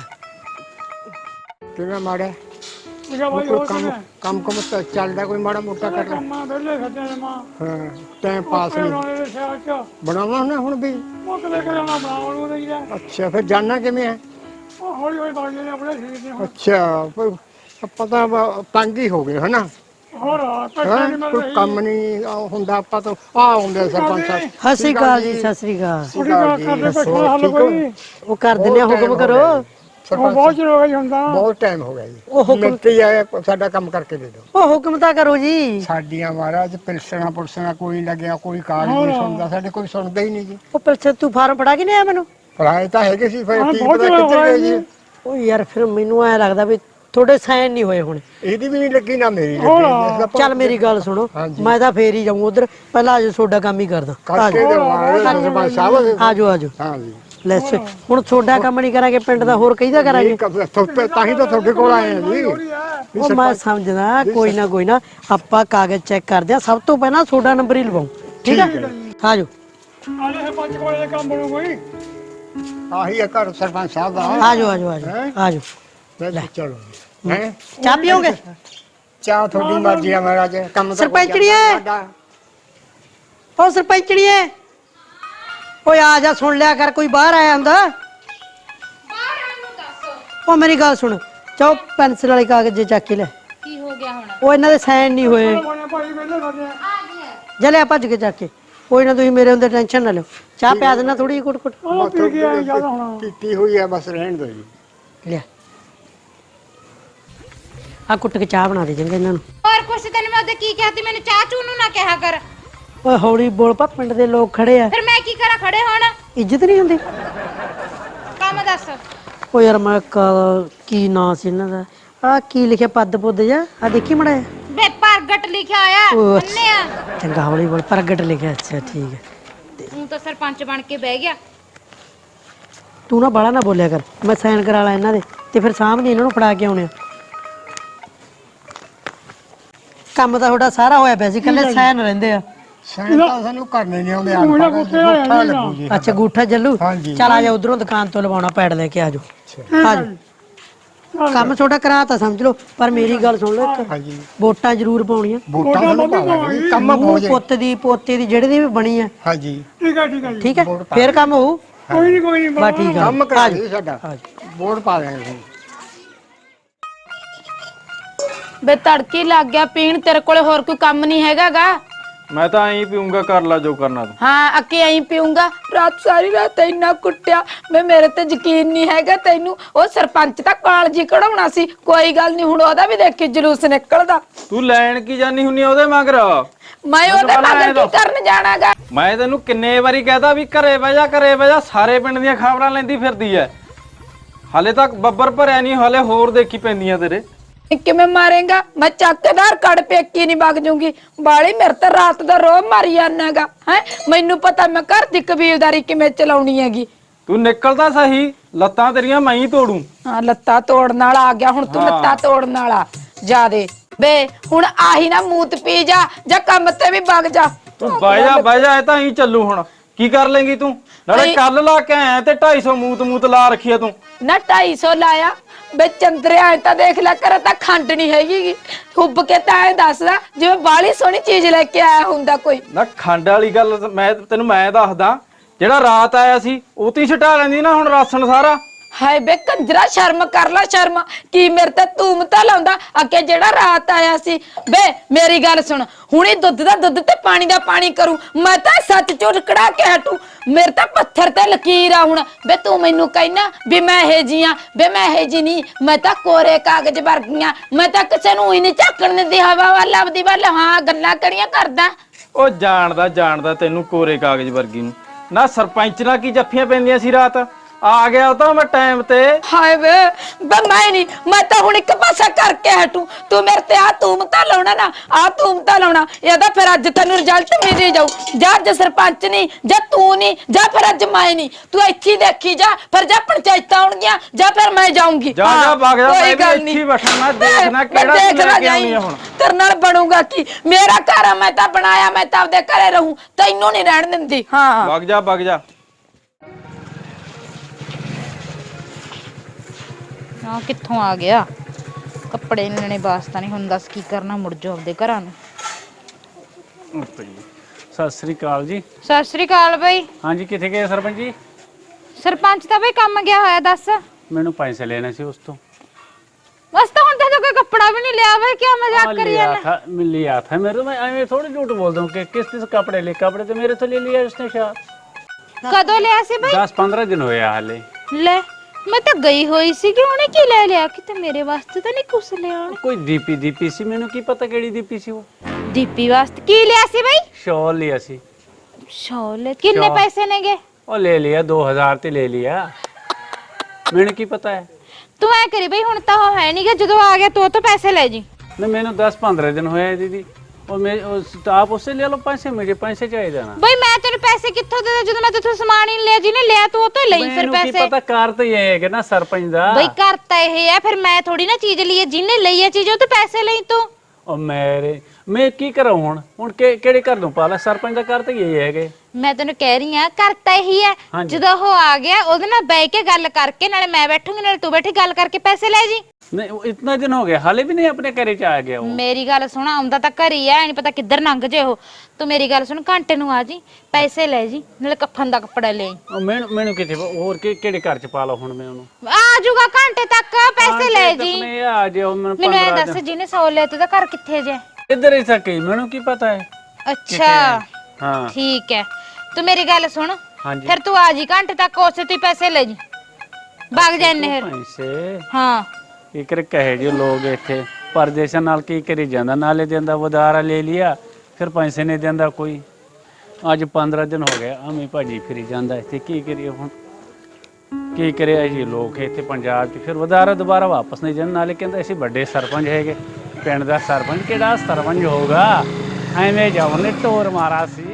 S6: ਕਿਵੇਂ ਮਾੜਾ ਕੋਈ ਕੰਮ ਕੰਮ ਕੰਮ ਤਾਂ ਚੱਲਦਾ ਕੋਈ ਮਾੜਾ ਮੋਟਾ ਕਰ ਲੈ
S7: ਮਾਂ ਵੇਲੇ ਖੱਟੇ ਨੇ ਮਾਂ
S6: ਹਾਂ ਟਾਈਮ ਪਾਸ ਨਹੀਂ
S7: ਉਹਨਾਂ ਦੇ ਸਿਰ ਚ
S6: ਬਣਾਉਣਾ ਨਾ ਹੁਣ ਵੀ
S7: ਮੁੱਕ ਲੈ ਕੇ ਜਾਣਾ ਬਣਾਉਣ ਨੂੰ ਨਹੀਂ ਜਾ
S6: ਅੱਛਾ ਫਿਰ ਜਾਣਾ ਕਿਵੇਂ ਹੈ ਹੌਲੀ ਹੌਲੀ ਬਾਜ ਨੇ ਆਪਣੇ ਸਰੀਰ ਦੇ ਅੱਛਾ ਪਰ ਆਪਾਂ ਤਾਂ ਬ- ਤੰਗ ਹੀ ਹੋ ਗਏ ਹਨਾ ਹੋਰ
S2: ਹੈਂ?
S6: ਕੋਈ ਕੰਮ ਨਹੀਂ ਆ ਹੁੰਦਾ ਆਪਾਂ ਤਾਂ ਆ ਹੁੰਦੇ ਸਰਪੰਚ ਸਾਹਿਬ
S2: ਸਤਿ ਸ੍ਰੀ ਅਕਾਲ ਜੀ, ਸਤਿ ਸ੍ਰੀ ਅਕਾਲ।
S6: ਸਤਿ ਸ਼੍ਰੀ ਅਕਾਲ ਜੀ। ਹੋਰ ਠੀਕ ਹੋ?
S2: ਉਹ ਕਰ ਦਿੰਦੇ ਆ, ਹੁਕਮ ਕਰੋ।
S6: ਸਰਪੰਚ ਬਹੁਤ ਚਿਰ ਹੋ ਗਿਆ ਜੀ ਹੁੰਦਾ ਬਹੁਤ ਟਾਈਮ ਹੋ ਗਿਆ ਜੀ
S2: ਉਹ ਹੁਕਮ-
S6: ਮਿੰਟ ਹੀ ਆਇਆ ਸਾਡਾ ਕੰਮ ਕਰਕੇ ਦੇ ਦਿਓ
S2: ਉਹ ਹੁਕਮ ਤਾਂ ਕਰੋ ਜੀ।
S6: ਸਾਡੀਆਂ ਮਹਾਰਾਜ ਪਿਲਸਣਾ ਪੁਲਸਣਾ ਕੋਈ ਨਹੀਂ ਲੱਗਿਆ ਕੋਈ ਕਾਗਜ਼ ਨਹੀਂ ਸੁਣਦਾ ਸਾਡੇ ਕੋਈ ਸੁਣਦਾ ਹੀ ਨਹੀਂ ਜੀ
S2: ਉਹ ਪਿੱਛੇ ਤੂੰ ਫਾਰਮ ਫੜਾ ਕੇ ਨਹੀਂ ਆਇਆ ਮੈਨੂੰ?
S6: ਪੜਾਏ ਤਾਂ ਹੈਗੇ ਸੀ ਫਿਰ ਕੀ ਪਤਾ ਕਿੱਧਰ ਗਏ ਜੀ
S2: ਉਹ ਯਾਰ ਫਿਰ ਮੈਨੂੰ ਐ ਲੱਗਦਾ ਵੀ ਥੋੜੇ ਸਾਈਨ ਨਹੀਂ ਹੋਏ ਹੁਣ।
S6: ਇਹਦੀ ਵੀ ਨਹੀਂ ਲੱਗੀ ਨਾ ਮੇਰੀ ਲੱਗੀ
S2: ਚੱਲ ਮੇਰੀ ਗੱਲ ਸੁਣੋ, ਮੈਂ ਤਾਂ ਫੇਰ ਹੀ ਜਾਊਂ ਉਧਰ। ਪਹਿਲਾਂ ਆਜੋ ਤੁਹਾਡਾ ਕੰਮ ਹੀ ਕਰਦਾ।
S6: ਕਰਕੇ ਦੇਵਾਂਗੇ ਸਰਪੰਚ ਸਾਹਿਬ
S2: ਆਜੋ ਆਜੋ।
S6: ਹਾਂ ਜੀ
S2: ਲੈ ਸ- ਹੁਣ ਤੁਹਾਡਾ ਕੰਮ ਨਹੀਂ ਕਰਾਂਗੇ, ਪਿੰਡ ਦਾ ਹੋਰ ਕਿਹਦਾ ਕਰਾਂਗੇ?
S6: ਤਾਂ ਹੀ ਤਾਂ ਤੁਹਾਡੇ ਕੋਲ ਆਏ ਆ ਜੀ
S2: ਉਹ ਮੈਂ ਸਮਝਦਾ, ਕੋਈ ਨਾ ਕੋਈ ਨਾ ਆਪਾਂ ਕਾਗਜ਼ ਚੈੱਕ ਕਰਦੇ ਆ। ਸਭ ਤੋਂ ਪਹਿਲਾਂ ਤੁਹਾਡਾ ਨੰਬਰ ਹੀ ਲਵਾਉਂ, ਠੀਕ ਆ? ਆਜੋ
S6: ਆਲੇ ਪੰਜ ਕੋਲੇ ਦਾ ਕੰਮ ਬਣੂ ਕੋਈ ਆਹੀ ਆ ਘਰ ਸਰਪੰਚ ਸਾਹਿਬ ਦਾ
S2: ਆਜੋ ਆਜੋ ਆਜੋ ਆਜੋ।
S6: ਲੈ ਚਲੋ ਹੈ
S2: ਚਾਹ ਪੀਓਗੇ?
S6: ਚਾਹ ਤੁਹਾਡੀ ਮਰਜ਼ੀ ਆ ਮਹਾਰਾਜ ਕੰਮ ਤਾਂ
S2: ਸਰਪੰਚੜੀਏ, ਉਹ ਸਰਪੰਚੜੀਏ, ਓਏ ਆ ਜਾ, ਸੁਣ ਲਿਆ ਕਰ, ਕੋਈ ਬਾਹਰ ਆਇਆ ਹੁੰਦਾ। ਉਹ ਮੇਰੀ ਗੱਲ ਸੁਣ, ਚਾਹ ਪੈਨਸਲ ਵਾਲੇ ਕਾਗਜ਼ ਜੇ ਚੱਕ ਕੇ ਲੈ।
S4: ਕੀ ਹੋ ਗਿਆ ਹੁਣ?
S2: ਉਹ ਇਹਨਾਂ ਦੇ ਸਾਈਨ ਨਹੀਂ ਹੋਏ। ਜਲੇ ਭੱਜ ਕੇ ਚੱਕ ਕੇ। ਕੋਈ ਨਾ, ਤੁਸੀਂ ਮੇਰੇ ਹੁੰਦੇ ਟੈਨਸ਼ਨ ਨਾ ਲਿਓ। ਚਾਹ ਪਿਆ ਦੇਣਾ ਥੋੜੀ ਜਿਹੀ, ਕੁੱਟ ਕੁੱਟ
S6: ਪੀਤੀ ਹੋਈ ਆ, ਬਸ ਰਹਿਣ ਦਿਓ ਜੀ।
S2: ਲਿਆ ਆ ਕੁੱਟ ਕੇ ਚਾਹ ਬਣਾ ਦੇ ਚੰਗਾ ਇਹਨਾਂ ਨੂੰ।
S4: ਹੋਰ ਕੁਛ ਤੈਨੂੰ ਮੈਂ ਉਹਦੇ ਕੀ ਕਿਹਾ ਤੀ, ਮੈਨੂੰ ਚਾਹ ਚੂ ਨੂੰ ਨਾ ਕਿਹਾ ਕਰ।
S2: ਓਏ ਹੌਲੀ ਬੋਲ ਪਾ, ਪਿੰਡ ਦੇ ਲੋਕ ਖੜੇ ਆ।
S4: ਫਿਰ ਮੈਂ ਕੀ ਕਰਾਂ ਖੜੇ ਹੁਣ?
S2: ਇੱਜ਼ਤ ਨਹੀਂ ਹੁੰਦੀ।
S4: ਕੰਮ ਦੱਸ।
S2: ਓ ਯਾਰ ਮੈਂ ਕ- ਕੀ ਨਾਂ ਸੀ ਇਹਨਾਂ ਦਾ? ਆ ਕੀ ਲਿਖਿਆ ਪੱਦ ਪੁੱਦ ਜਾ? ਆ ਦੇਖੀ ਮੜਾ।
S4: ਬੇ ਪ੍ਰਗਟ ਲਿਖਿਆ ਆਇਆ
S2: ਉਹ
S4: ਅੰਨੇ ਆ।
S2: ਚੰਗਾ ਹੌਲੀ ਬੋਲ, ਪ੍ਰਗਟ ਲਿਖਿਆ। ਅੱਛਾ ਠੀਕ ਹੈ।
S4: ਤੂੰ ਤਾਂ ਸਰਪੰਚ ਬਣ ਕੇ ਬਹਿ ਗਿਆ।
S2: ਤੂੰ ਨਾ ਬਾਲਾ ਨਾ ਬੋਲਿਆ ਕਰ, ਮੈਂ ਸਾਈਨ ਕਰਾ ਲਾ ਇਹਨਾਂ ਦੇ ਤੇ ਫਿਰ ਸਾਹਮਣੇ ਇਹਨਾਂ ਨੂੰ ਫੜਾ ਕੇ ਆਉਣੇ ਆ। ਕੰਮ ਤਾਂ ਤੁਹਾਡਾ ਸਾਰਾ ਹੋਇਆ ਪਿਆ ਸੀ, ਕੱਲੇ ਸਾਈਨ ਰਹਿੰਦੇ ਆ।
S6: ਸਾਈਨ ਤਾਂ ਸਾਨੂੰ ਕਰਨੇ ਨਹੀਂ ਆਉਂਦੇ ਆ ਲੱਗੂ ਜੀ।
S2: ਅੱਛਾ ਗੂਠਾ ਜੱਲੂ,
S6: ਹਾਂਜੀ।
S2: ਚੱਲ ਆ ਜਾ ਉਧਰੋਂ ਦੁਕਾਨ ਤੋਂ ਲਵਾਉਣਾ ਪੈੜ ਲੈ ਕੇ ਆ ਜਾਓ। ਆ ਜਾਓ, ਕੰਮ ਛੋਟਾ ਕਰਾ ਤਾਂ ਸਮਝ ਲਓ, ਪਰ ਮੇਰੀ ਗੱਲ ਸੁਣ ਲਓ ਇੱਕ,
S6: ਹਾਂਜੀ
S2: ਵੋਟਾਂ ਜ਼ਰੂਰ ਪਾਉਣੀਆਂ।
S6: ਵੋਟਾਂ ਸਾਨੂੰ ਪਾਵਾਂਗੇ ਕੰਮ ਹੋ ਜਾਏ।
S2: ਪੁੱਤ ਦੀ ਪੋਤੇ ਦੀ ਜਿਹੜੇ ਦੀ ਵੀ ਬਣੀ ਆ,
S6: ਹਾਂਜੀ
S2: ਠੀਕ ਹੈ, ਫੇਰ ਕੰਮ ਹੋਊ।
S6: ਕੋਈ ਨਹੀਂ ਕੋਈ ਨਹੀਂ
S2: ਬਸ ਠੀਕ ਆ,
S6: ਕੰਮ ਕਰਾ
S2: ਆ
S6: ਦੇ
S2: ਜਾਓ।
S6: ਸਾਡਾ ਵੋਟ ਪਾ ਦੇਣਗੇ।
S1: ਬੇ ਤੜਕੀ ਲੱਗ ਗਿਆ ਪੀਣ, ਤੇਰੇ ਕੋਲੇ ਹੋਰ ਕੋਈ ਕੰਮ ਨਹੀਂ ਹੈਗਾਗਾ?
S7: ਮੈਂ ਤਾਂ ਐਂ ਪੀਊਂਗਾ, ਕਰ ਲਾ ਜੋ ਕਰਨਾ ਤੂੰ।
S1: ਹਾਂ ਅੱਕੇ ਐਂ ਪੀਊਂਗਾ। ਰਾਤ ਸਾਰੀ ਰਾਤ ਇੰਨਾ ਕੁੱਟਿਆ, ਮੈਂ ਮੇਰੇ ਤੇ ਯਕੀਨ ਨਹੀਂ ਹੈਗਾ ਤੈਨੂੰ। ਉਹ ਸਰਪੰਚ ਤਾਂ ਕਾਲਜੀ ਕਢਾਉਣਾ ਸੀ, ਕੋਈ ਗੱਲ ਨਹੀਂ, ਹੁਣ ਉਹਦਾ ਵੀ ਦੇਖੀ ਜਲੂਸ ਨਿਕਲਦਾ।
S7: ਤੂੰ ਲੈਣ ਕੀ ਜਾਨੀ ਹੁੰਨੀ ਆ ਉਹਦੇ ਮਗਰ?
S1: ਮੈਂ ਉਹਦੇ ਮਗਰ ਕੀ ਕਰਨ ਜਾਣਾਗਾ?
S7: ਮੈਂ ਤੈਨੂੰ ਕਿੰਨੇ ਵਾਰੀ ਕਹਿਤਾ ਵੀ ਘਰੇ ਬਹਿ ਜਾ, ਘਰੇ ਬਹਿ ਜਾ। ਸਾਰੇ ਪਿੰਡ ਦੀਆਂ ਖਬਰਾਂ ਲੈਂਦੀ ਫਿਰਦੀ ਐ। ਹਾਲੇ ਤੱਕ ਬੱਬਰ ਭਰਿਆ ਨਹੀਂ, ਹਾਲੇ ਹੋਰ ਦੇਖੀ ਪੈਂਦੀਆਂ ਤੇਰੇ।
S1: ਕਿਵੇਂ ਮਾਰੇਗਾ? ਮੈਂ ਚੱਕਦਾਰ ਕੜ ਪੇਕੀ ਨਹੀਂ ਵਗ ਜੂੰਗੀ। ਬਾਲੀ ਮੇਰੇ ਤੇ ਰਾਤ ਦਾ ਰੋਹ ਮਾਰੀ ਜਾਣਾਗਾ। ਹੈ ਮੈਨੂੰ ਪਤਾ ਮੈਂ ਘਰ ਦੀ ਕਬੀਲਦਾਰੀ ਕਿਵੇਂ ਚਲਾਉਣੀ ਹੈਗੀ।
S7: ਤੂੰ ਨਿਕਲ ਤਾਂ ਸਹੀ, ਲੱਤਾਂ ਤੇਰੀਆਂ ਮੈਂ ਹੀ ਤੋੜੂ।
S1: ਹਾਂ ਲੱਤਾਂ ਤੋੜਨ ਵਾਲਾ ਆ ਗਿਆ ਹੁਣ ਤੂੰ, ਲੱਤਾਂ ਤੋੜਨ ਵਾਲਾ ਜਾਦੇ। ਬੇ ਹੁਣ ਆਹੀ ਨਾ ਮੂਤ ਪੀ ਜਾ, ਜਾਂ ਕੰਮ ਤੇ ਵੀ ਵਗ ਜਾ।
S7: ਤੂੰ ਬਹਿ ਜਾ ਬਹਿ ਜਾ, ਇਹ ਤਾਂ ਹੀ ਚੱਲੂ। ਹੁਣ ਕੀ ਕਰ ਲੇਂਗੀ ਤੂੰ? ਨਾਲੇ ਕੱਲ ਲਾ ਕੇ ਆਇਆ ਤੇ ਢਾਈ ਸੌ ਮੂਤ ਮੂਤ ਲਾ ਰੱਖੀ ਆ ਤੂੰ।
S1: ਨਾ ਢਾਈ ਸੌ ਲਾਇਆ ਬੇ ਚੰਦਰਿਆ, ਐ ਤਾਂ ਦੇਖ ਲੈ ਕਰ, ਤਾਂ ਖੰਡ ਨਹੀਂ ਹੈਗੀ। ਹੁੱਬ ਕੇ ਤਾਂ ਐ ਦੱਸਦਾ ਜਿਵੇਂ ਬਾਲੀ ਸੋਹਣੀ ਚੀਜ਼ ਲੈ ਕੇ ਆਇਆ ਹੁੰਦਾ ਕੋਈ।
S7: ਨਾ ਖੰਡ ਵਾਲੀ ਗੱਲ ਮੈਂ ਤੈਨੂੰ ਮੈਂ ਦੱਸਦਾ, ਜਿਹੜਾ ਰਾਤ ਆਇਆ ਸੀ ਉਹ ਤੀ ਛਟਾ ਲੈਂਦੀ ਨਾ ਹੁਣ ਰਾਸ਼ਨ ਸਾਰਾ।
S1: ਹਾਏ ਬੇ ਕੰਜਰਾ, ਸ਼ਰਮ ਕਰ ਲੈ ਸ਼ਰਮ। ਕੀ ਮੇਰੇ ਤੇ ਤੂੰ ਤਾਂ ਲਾਉਂਦਾ ਅੱਗੇ ਜਿਹੜਾ ਰਾਤ ਆਇਆ ਸੀ? ਬੇ ਮੇਰੀ ਗੱਲ ਸੁਣ, ਹੁਣੇ ਦੁੱਧ ਦਾ ਦੁੱਧ ਤੇ ਪਾਣੀ ਦਾ ਪਾਣੀ ਕਰੂ। ਮੈਂ ਤਾਂ ਸੱਚ ਝੂਠ ਕਢਾ ਕੇ ਹਟੂ। ਮੇਰੇ ਤਾਂ ਪੱਥਰ ਤੇ ਲਕੀਰ ਆ ਹੁਣ। ਬੇ ਤੂੰ ਮੈਨੂੰ ਕਹਿਣਾ ਵੀ ਮੈਂ ਇਹ ਜੀ ਆ? ਬੇ ਮੈਂ ਇਹ ਜੀ ਨਹੀਂ, ਮੈਂ ਤਾਂ ਕੋਰੇ ਕਾਗਜ਼ ਵਰਗੀਆਂ। ਮੈਂ ਤਾਂ ਕਿਸੇ ਨੂੰ ਹੀ ਨਹੀਂ ਝਾਕਣ ਦਿੰਦੀ ਹਵਾ ਵੱਲ, ਆਪਦੀ ਵੱਲ। ਹਾਂ ਗੱਲਾਂ ਕਰੀਆਂ ਕਰਦਾ।
S7: ਉਹ ਜਾਣਦਾ ਜਾਣਦਾ ਤੈਨੂੰ ਕੋਰੇ ਕਾਗਜ਼ ਵਰਗੀ ਨੂੰ। ਨਾ ਸਰਪੰਚ ਨਾਲ ਕੀ ਜੱਫੀਆਂ ਪੈਂਦੀਆਂ ਸੀ ਰਾਤ? ਆ ਗਿਆ ਉਹ ਤਾਂ ਮੈਂ ਟਾਈਮ ਤੇ।
S1: ਹਾਏ ਵੇ ਬੇ ਮੈਂ ਨਹੀਂ, ਮੈਂ ਤਾਂ ਹੁਣ ਇੱਕ ਪਾਸਾ ਕਰਕੇ ਹਟੂ। ਤੂੰ ਮੇਰੇ ਤੇ ਆ ਤੂੰ ਤਾਂ ਲਾਉਣਾ ਨਾ, ਆ ਤੂੰ ਤਾਂ ਲਾਉਣਾ। ਇਹਦਾ ਫਿਰ ਅੱਜ ਤੈਨੂੰ ਰਿਜ਼ਲਟ ਮਿਲ ਜਾਊ। ਜਾਂ ਅੱਜ ਸਰਪੰਚ ਨਹੀਂ, ਜਾਂ ਤੂੰ ਨਹੀਂ, ਜਾਂ ਫਿਰ ਅੱਜ ਮੈਂ ਨਹੀਂ। ਤੂੰ ਇੱਥੇ ਦੇਖੀ ਜਾ, ਫਿਰ ਜਾਂ ਪੰਚਾਇਤਾਂ ਆਉਣਗੀਆਂ, ਜਾਂ ਫਿਰ ਮੈਂ ਜਾਊਂਗੀ।
S7: ਜਾ ਜਾ ਵਗ ਜਾ, ਮੈਂ ਵੀ ਇੱਥੇ ਹੀ ਬੈਠਾ। ਮੈਂ ਦੇਖਣਾ ਕਿਹੜਾ ਤੂੰ ਲੈ ਕੇ ਆਉਣੀ ਆ ਹੁਣ।
S1: ਤੇਰੇ ਨਾਲ ਬਣੂਗਾ ਕੀ? ਮੇਰਾ ਘਰ ਆ, ਮੈਂ ਤਾਂ ਬਣਾਇਆ, ਮੈਂ ਤਾਂ ਆਪਦੇ ਘਰੇ ਰਹੂੰ, ਤੈਨੂੰ ਨਹੀਂ ਰਹਿਣ ਦਿੰਦੀ। ਹਾਂ
S7: ਵਗ ਜਾ ਵਗ ਜਾ।
S4: ਆ ਕਿੱਥੋਂ ਆ ਗਿਆ? ਕੱਪੜੇ ਲੈਣੇ ਵਾਸਤਾ ਨਹੀਂ, ਹੁਣ ਦੱਸ ਕੀ ਕਰਨਾ? ਮੁੜ ਜਾਓ ਆਪਦੇ ਘਰਾਂ ਨੂੰ।
S8: ਸਤਿ ਸ੍ਰੀ ਅਕਾਲ ਜੀ।
S4: ਸਤਿ ਸ੍ਰੀ ਅਕਾਲ ਬਈ।
S8: ਹਾਂਜੀ ਕਿੱਥੇ ਗਏ ਸਰਪੰਚ ਜੀ?
S4: ਸਰਪੰਚ ਤਾਂ ਬਈ ਕੰਮ ਗਿਆ ਹੋਇਆ। ਦੱਸ
S8: ਮੈਨੂੰ ਪੈਸੇ ਲੈਣੇ ਸੀ ਉਸ ਤੋਂ
S4: बस तो हुन तो कोई कपड़ा भी नहीं लिया भाई, क्या मजाक
S8: हाँ,
S4: करी
S8: लिया
S4: जाना।
S8: था मैं लिया था मेरे मैं मैं थोड़ी झूठ बोलता हूँ कि किस किस कपड़े लिए कपड़े तो मेरे तो ले लिया उसने शायद
S4: कदों लिया सी भाई?
S8: दस पंद्रह दिन हुए हाले
S4: ले मैं तो गई हुई सी कि उन्हें की ले लिया कि तो मेरे वास्ते तो नहीं कुछ लिया उन्हें।
S8: कोई दीपी दीपी सी मैंने की पता केड़ी दीपी सी वो
S4: दीपी वास्ते की लिया सी भाई?
S8: शॉल लिया सी
S4: शॉल कितने
S8: शॉल।
S4: पैसे नेगे?
S8: और ले लिया दो हजार ते ले लिया मैंने की पता है
S4: तू ऐ करी भाई हुन तो है नहीं कि जदों आ गया तो तो पैसे ले जी।
S8: नहीं मैंने दस पंद्रह दिन हुए हैं दीदी और मैं उस, तो आप उससे ले लो पैसे मुझे पैसे चाहिए देना
S4: भाई मैं तेरे पैसे कित्थों दे दे जदों मैं तेरे सामान ही नहीं लिया जी ने लिया तो वो तो ले फिर
S8: मैनू की
S4: पैसे।
S8: पता कार तो ये है कि ना सरपंच दा
S4: भाई करता ये है फिर मैं थोड़ी ना चीज ली है जिन्ने ली है चीज वो तो पैसे ले तू।
S8: और मेरे मैं की करूं हुन हुन के केड़े कर दूं पाला सरपंच दा कार तो ये है कि
S4: मैं तेन कह रही हां करता ही है
S8: हाँ जी।
S4: जदों वो आ गया ओदे नाल बैठ के गल करके नाले मैं बैठूंगी नाले तू बैठी गल करके पैसे ले जी।
S8: नहीं वो इतना दिन हो गया हाले भी नहीं अपने घरे च आ गया वो
S4: मेरी गल सुन आउंदा तां घर ही है नहीं पता किधर लंघ जे हो तू मेरी गल सुन घंटे नु आ जी पैसे ले जी नाले कफन दा कपड़ा ले आई।
S8: और मैं मैनू किथे और के केड़े घर च पा लो हुन मैं ओनू
S4: आ जाऊगा घंटे तक पैसे ले जी।
S8: मैं आ जाओ मैं
S4: मैनू ऐ
S8: पंद्रह
S4: दस जिने सौ ले ते घर किथे जे?
S8: इधर ही सकी मैनू की पता है
S4: अच्छा
S8: हाँ
S4: ठीक है तू मेरी गल सुन
S8: हाँ जी
S4: फिर तू आ जी घंटे तक उसे तू पैसे ले जी भाग जाने फिर।
S8: पैसे
S4: हाँ
S8: ਕੀ ਕਰ ਕਹੇ ਜੀ ਲੋਕ ਇੱਥੇ ਪਰਦੇਸਾਂ ਨਾਲ ਕੀ ਕਰੀ ਜਾਂਦਾ ਨਾਲੇ ਦਿੰਦਾ ਉਧਾਰਾ ਲੈ ਲਿਆ ਫਿਰ ਪੈਸੇ ਨਹੀਂ ਦਿੰਦਾ ਕੋਈ ਅੱਜ ਪੰਦਰਾਂ ਦਿਨ ਹੋ ਗਏ ਆਵੇਂ ਭਾਜੀ ਫਿਰੀ ਜਾਂਦਾ ਇੱਥੇ ਕੀ ਕਰੀਏ ਹੁਣ ਕੀ ਕਰਿਆ ਜੀ ਲੋਕ ਇੱਥੇ ਪੰਜਾਬ 'ਚ ਫਿਰ ਉਧਾਰਾ ਦੁਬਾਰਾ ਵਾਪਸ ਨਹੀਂ ਜਾਂਦੇ ਨਾਲੇ ਕਹਿੰਦਾ ਅਸੀਂ ਵੱਡੇ ਸਰਪੰਚ ਹੈਗੇ ਪਿੰਡ ਦਾ ਸਰਪੰਚ ਕਿਹੜਾ ਸਰਪੰਚ ਹੋਊਗਾ ਐਵੇਂ ਜਾਉਂ ਨੇ ਟੋਰ ਮਾਰਾ ਸੀ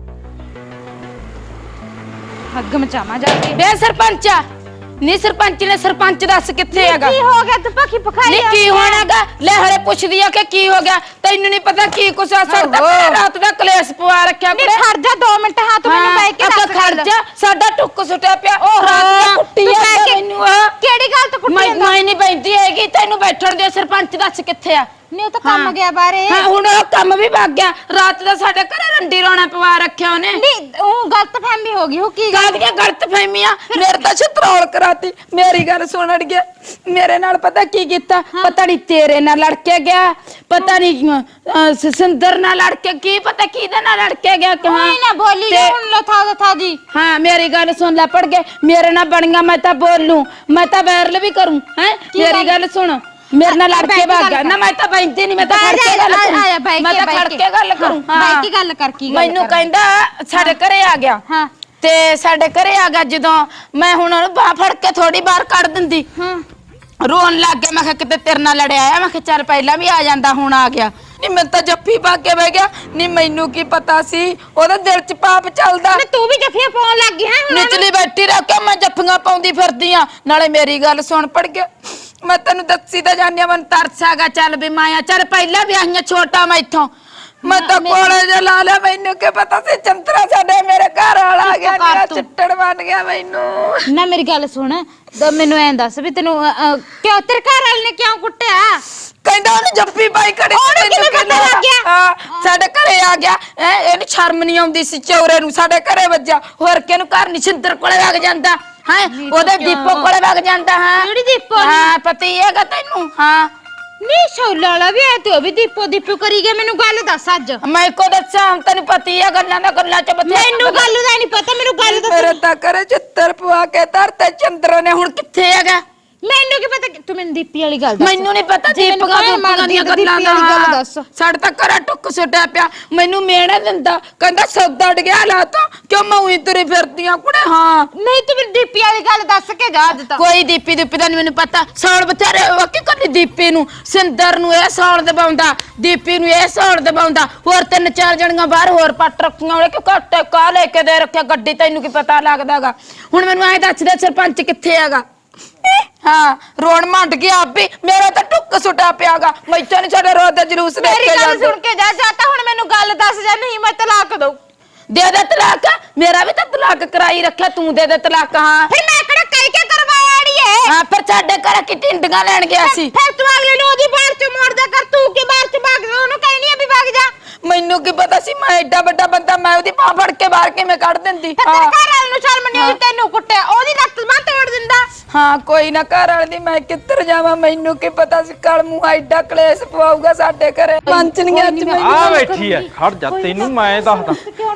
S4: हग मचावा जाके
S1: ਬੇ ਸਰਪੰਚ ਨੀ ਸਰਪੰਚ ਨੇ ਸਰਪੰਚ ਦੱਸ ਕਿੱਥੇ ਹੈਗਾ?
S4: की हो गया तू पखी पखाई
S1: ਨੀ ਕੀ ਹੋਣਾਗਾ ਲੈ ਹਰੇ ਪੁੱਛਦੀ ਆ ਕਿ ਕੀ ਹੋ ਗਿਆ ਤੈਨੂੰ ਨਹੀਂ ਪਤਾ ਕੀ ਕੁਛ ਆ ਸਾਡਾ ਰਾਤ ਦਾ ਕਲੇਸ਼ ਪਵਾ ਰੱਖਿਆ
S4: नहीं खड़ जा दो मिनट हां तू मैंने बैठ के दस
S1: ਖੜ ਜਾ ਸਾਡਾ ਟੁੱਕ ਸੁੱਟਿਆ ਪਿਆ ਉਹ ਰਾਤ ਦਾ ਕੁੱਟੀ
S4: ਤੂੰ
S1: ਆ
S4: ਬਹਿ ਕੇ-
S1: ਮੈਨੂੰ ਆ
S4: केड़ी गल तो कुछ
S1: ਮੈਂ ਮੈਂ ਨਹੀਂ ਬੈਠੀ ਹੈਗੀ ਤੈਨੂੰ ਬੈਠਣ ਦੇ ਸਰਪੰਚ ਦੱਸ ਕਿੱਥੇ ਆ?
S4: नहीं तो काम गया बारे
S1: ਹਾਂ ਹੁਣ ਉਹ ਕੰਮ ਵੀ ਭੱਗ ਗਿਆ ਰਾਤ ਦਾ ਸਾਡੇ ਘਰੇ ਰੰਡੀ ਰੋਣਾ ਪਵਾ ਰੱਖਿਆ ਉਹਨੇ
S4: नहीं वो गलत फहमी होगी हो की
S1: ਕਾਹਦੀਆਂ ਗਲਤ ਫਹਿਮੀਆਂ ਮੇਰੇ ਤਾਂ ਛਤਰੋਲ ਕਰਾਤੀ ਮੇਰੀ ਗੱਲ ਸੁਣ ਅੜ ਗਿਆ ਮੇਰੇ ਨਾਲ ਪਤਾ ਕੀ ਕੀਤਾ ਪਤਾ ਨਹੀਂ ਤੇਰੇ ਨਾਲ ਲੜ ਕੇ ਗਿਆ ਪਤਾ ਨਹੀਂ ਸਿੰਦਰ ਨਾਲ ਲੜ ਕੇ ਕੀ ਪਤਾ ਕਿਹਦੇ ਨਾਲ ਲੜ ਕੇ ਗਿਆ ਕਿ
S4: कोई ना बोली
S1: ते-
S4: जो उन था था जी।
S1: हाँ मेरी गल सुन ले पड़ गए मेरे ना बनिया मैं तो बोलूं मैं तो वायरल भी करूं हैं मेरी गल सुन मेरे ना लड़ के भाग गया ना मैं तो बैठती नहीं मैं तो खड़ के गल
S4: आया बैठ
S1: मैं
S4: के
S1: तो खड़ के गल करूं
S4: बैठ के गल कर की
S1: ਮੈਨੂੰ ਕਹਿੰਦਾ ਸਾਡੇ ਘਰੇ ਆ ਗਿਆ
S4: ਹਾਂ
S1: ਤੇ ਸਾਡੇ ਘਰੇ ਆ ਗਿਆ ਜਦੋਂ ਮੈਂ ਹੁਣ ਉਹਨੂੰ ਬਾਹ ਫੜ ਕੇ ਥੋੜੀ ਬਾਹਰ ਕੱਢ ਦਿੰਦੀ
S4: ਹਾਂ
S1: ਰੋਣ ਲੱਗ ਗਿਆ ਮੈਂ ਕਿਹਾ ਕਿਤੇ ਤੇਰੇ ਨਾਲ ਲੜਿਆ ਆ ਮੈਂ ਕਿਹਾ ਚੱਲ ਪਹਿਲਾਂ ਵੀ ਆ ਜਾਂਦਾ ਹੁਣ ਆ ਗਿਆ ਨਹੀਂ ਮੈਂ ਤਾਂ ਜੱਫੀ ਪਾ ਕੇ ਬਹਿ ਗਿਆ ਨਹੀਂ ਮੈਨੂੰ ਕੀ ਪਤਾ ਸੀ ਉਹਦੇ ਦਿਲ 'ਚ ਪਾਪ ਚੱਲਦਾ
S4: मैं तू भी जफिया पाउन लग गई है
S1: ਨਿਚਲੀ ਬੈਠੀ ਰਹਿ ਕੇ ਮੈਂ ਜੱਫੀਆਂ ਪਾਉਂਦੀ ਫਿਰਦੀ ਆ ਨਾਲੇ ਮੇਰੀ ਗੱਲ ਸੁਣ ਪੜ ਗਿਆ ਮੈਂ ਤੈਨੂੰ ਦੱਸੀ ਤਾਂ ਜਾਣਿਆ ਮਨ ਤਰਸ ਆਗਾ ਚੱਲ ਵੀ ਮਾਇਆ ਚੱਲ ਪਹਿਲਾਂ ਵੀ ਆਈਆਂ ਛੋਟਾ ਮੈਥੋਂ ਮੈਂ ਤਾਂ ਕੋਲੇ ਜਿਹਾ ਲਾ ਲਿਆ ਮੈਨੂੰ ਕੀ ਪਤਾ ਸੀ ਚੰਤਰਾ ਸਾਡੇ ਮੇਰੇ ਘਰ ਵਾਲਾ ਆ ਗਿਆ ਮੇਰਾ ਚਿੱਟੜ ਬਣ ਗਿਆ ਮੈਨੂੰ
S4: ਨਾ ਮੇਰੀ ਗੱਲ ਸੁਣ ਤਾਂ ਮੈਨੂੰ ਐਂ ਦੱਸ ਵੀ ਤੈਨੂੰ ਅ, ਅ, ਕਿਉਂ ਤੇਰੇ ਘਰ ਵਾਲੇ ਨੇ ਕਿਉਂ ਕੁੱਟਿਆ?
S1: ਕਹਿੰਦਾ ਉਹਨੂੰ ਜੱਫੀ ਪਾਈ ਖੜੀ
S4: ਉਹਨੂੰ ਕਿਵੇਂ ਪਤਾ ਲੱਗ ਗਿਆ?
S1: ਹਾਂ ਸਾਡੇ ਘਰੇ ਆ ਗਿਆ ਹੈਂ, ਇਹਨੂੰ ਸ਼ਰਮ ਨਹੀਂ ਆਉਂਦੀ ਸੀ ਚੌਰੇ ਨੂੰ ਸਾਡੇ ਘਰੇ ਵੱਜਿਆ ਹੋਰ ਕਿਹਨੂੰ ਘਰ ਨਹੀਂ ਸਿੰਦਰ ਕੋਲੇ ਵਗ ਜਾਂਦਾ ਹੈ ਉਹਦੇ ਦੀਪੋ ਕੋਲੇ ਵਗ ਜਾਂਦਾ ਹਾਂ
S4: ਕਿਹੜੀ ਦੀਪੋ?
S1: ਹਾਂ ਪਤਾ ਹੀ ਹੈਗਾ ਤੈਨੂੰ ਹਾਂ
S4: ਨੀ ਸ਼ੌਲਾ ਵਾਲਾ ਵੀ ਐ ਤੇ ਉਹ ਵੀ ਦੀਪੋ ਦੀਪੋ ਕਰੀ ਗਿਆ ਮੈਨੂੰ ਗੱਲ ਦੱਸ ਅੱਜ
S1: ਮੈਂ ਕੋ ਦੱਸਾਂ ਹੁਣ ਤੈਨੂੰ ਪਤਾ ਹੀ ਹੈ ਗੱਲਾਂ ਦਾ ਗੱਲਾਂ ਚ ਬਥੇਰਾ
S4: ਮੈਨੂੰ ਗੱਲ ਦਾ ਨਹੀਂ ਪਤਾ ਮੈਨੂੰ ਗੱਲ ਦੱਸ
S1: ਮੇਰੇ ਤਾਂ ਘਰੇ ਚਿੱਤਰ ਪਵਾ ਕੇ ਧਰਤੇ ਚੰਦਰ ਨੇ ਹੁਣ ਕਿੱਥੇ ਹੈਗਾ
S4: ਮੈਨੂੰ ਕੀ ਪਤਾ ਕਿ- ਤੂੰ ਮੈਨੂੰ ਦੀਪੀ ਵਾਲੀ ਗੱਲ ਦੱਸ
S1: ਮੈਨੂੰ ਨਹੀਂ ਪਤਾ
S4: ਜੇ ਮੈਨੂੰ
S1: ਦੀਪਕਾਂ
S4: ਕਹੇ
S1: ਦੀਆਂ
S4: ਮੰਨਦੀ
S1: ਦੀਆਂ
S4: ਤਾਂ ਦੀਪੀ
S1: ਗੱਲਾਂ
S4: ਵਾਲੀ ਗੱਲ
S1: ਦਾ
S4: ਦੱਸ।
S1: ਸਾਡੇ ਤਾਂ ਘਰਾਂ ਟੁੱਕ ਸੁੱਟਿਆ ਪਿਆ ਮੈਨੂੰ ਮੇਣਾ ਦਿੰਦਾ ਕਹਿੰਦਾ ਸੌਦਾ ਡ ਗਿਆ ਲਾ ਤਾ ਕਿਉਂ ਮੈਂ ਉਹੀ ਤੁਰੀ ਫਿਰਦੀਆਂ ਕੁੜੇ ਹਾਂ
S4: ਨਹੀਂ ਤੂੰ ਮੈਨੂੰ ਦੀਪੀ ਵਾਲੀ ਗੱਲ ਦੱਸ ਕੇ ਜਾ ਅੱਜ ਤਾਂ
S1: ਕੋਈ ਦੀਪੀ ਦੀਪੀ ਦਾ ਨਹੀਂ ਮੈਨੂੰ ਪਤਾ ਸੌਣ ਬਥੇਰੇ ਵਾਕੀ ਕੱਲੀ ਦੀਪੀ ਨੂੰ ਸਿੰਦਰ ਨੂੰ ਇਹ ਸੌਣ ਦਬਾਉਂਦਾ ਦੀਪੀ ਨੂੰ ਇਹ ਸੌਣ ਦਬਾਉਂਦਾ ਹੋਰ ਤਿੰਨ ਚਾਰ ਜਣੀਆਂ ਬਾਹਰ ਹੋਰ ਪੱਟ ਰੱਖੀਆਂ ਉਹਨੇ ਕਿ ਘੱਟ ਕਾ ਲੈ ਕੇ ਦੇ ਰੱਖਿਆ ਗੱਡੀ ਤੈਨੂੰ ਕੀ ਪਤਾ ਲੱਗਦਾਗਾ ਹੁਣ ਮੈਨੂੰ ਐਂ ਦੱਸ ਦੇ ਸਰਪੰਚ ਕਿੱਥੇ ਹੈਗਾ ਹਾਂ ਰੋਣ ਮੰਡ ਗਿਆ ਆਪੇ ਮੇਰਾ ਤਾਂ ਟੁੱਕ ਸੁੱਟਿਆ ਪਿਆਗਾ ਮੈਥੋਂ ਨੀ ਸਾਡੇ ਰੋਜ਼ ਦਾ ਜਲੂਸ ਦੇਖ
S4: ਮੇਰੀ
S1: ਕੇ
S4: ਗੱਲ
S1: ਜਾਂਦੇ
S4: ਸੁਣ ਕੇ ਜਾ ਜਾ ਤਾਂ ਹੁਣ ਮੈਨੂੰ ਗੱਲ ਦੱਸ ਜਾ ਨਹੀਂ ਮੈਂ ਤਲਾਕ ਦਊ
S1: ਦੇ ਦੇ ਤਲਾਕ ਮੇਰਾ ਵੀ ਤਾਂ ਤਲਾਕ ਕਰਾਈ ਰੱਖਿਆ ਤੂੰ ਦੇ ਦੇ ਤਲਾਕ ਹਾਂ
S4: ਫਿਰ ਮੈਂ ਕਿਹੜਾ ਕਹਿ ਕੇ ਕਰਵਾਇਆ ਅੜੀਏ
S1: ਹਾਂ ਫਿਰ ਸਾਡੇ ਘਰ ਕੀ ਟਿੰਡੀਆਂ ਲੈਣ ਗਿਆ ਸੀ
S4: ਫਿਰ ਤੂੰ ਅਗਲੇ ਨੂੰ ਉਹਦੀ ਬਾਹਰ ਚ ਮੋੜਦਾ ਕਰ ਤੂੰ ਕਿ ਬਾਹਰ ਚ ਭਾਗ ਜਾ ਉਹਨੂੰ ਕਹਿਣੀ ਆ ਵੀ ਭਾਗ ਜਾ
S1: ਮੈਨੂੰ ਕੀ ਪਤਾ ਸੀ ਮੈਂ ਐਡਾ ਵੱਡਾ ਬੰਦਾ ਮੈਂ ਉਹਦੀ ਬਾਹ ਫੜ ਕੇ ਬਾਹਰ ਕਿਵੇਂ ਕੱਢ ਦਿੰਦੀ
S4: ਤੇ ਤੇਰੇ ਘਰ ਵਾਲੇ ਨੂੰ ਸ਼ਰਮ ਨਹੀਂ ਆਉਂਦੀ ਤੈਨੂੰ ਕੁੱਟਿਆ ਉਹਦੀ ਲੱਤ ਬਾਹ ਤੋੜ ਦਿੰਦਾ
S1: ਹਾਂ ਕੋਈ ਨਾ, ਘਰ ਵਾਲੇ ਦੀ ਮੈਂ ਕਿੱਧਰ ਜਾਵਾਂ, ਮੈਨੂੰ ਕੀ ਪਤਾ ਸੀ ਕੱਲ ਮੂੰਹ ਐਡਾ ਕਲੇਸ਼ ਪਵਾਊਗਾ ਸਾਡੇ ਘਰੇ। ਪੰਚਨੀਆਂ ਚ ਮੈਨੂੰ
S7: ਆ ਬੈਠੀ ਐ, ਖੜ ਜਾ ਤੈਨੂੰ ਮੈਂ ਦੱਸਦਾ।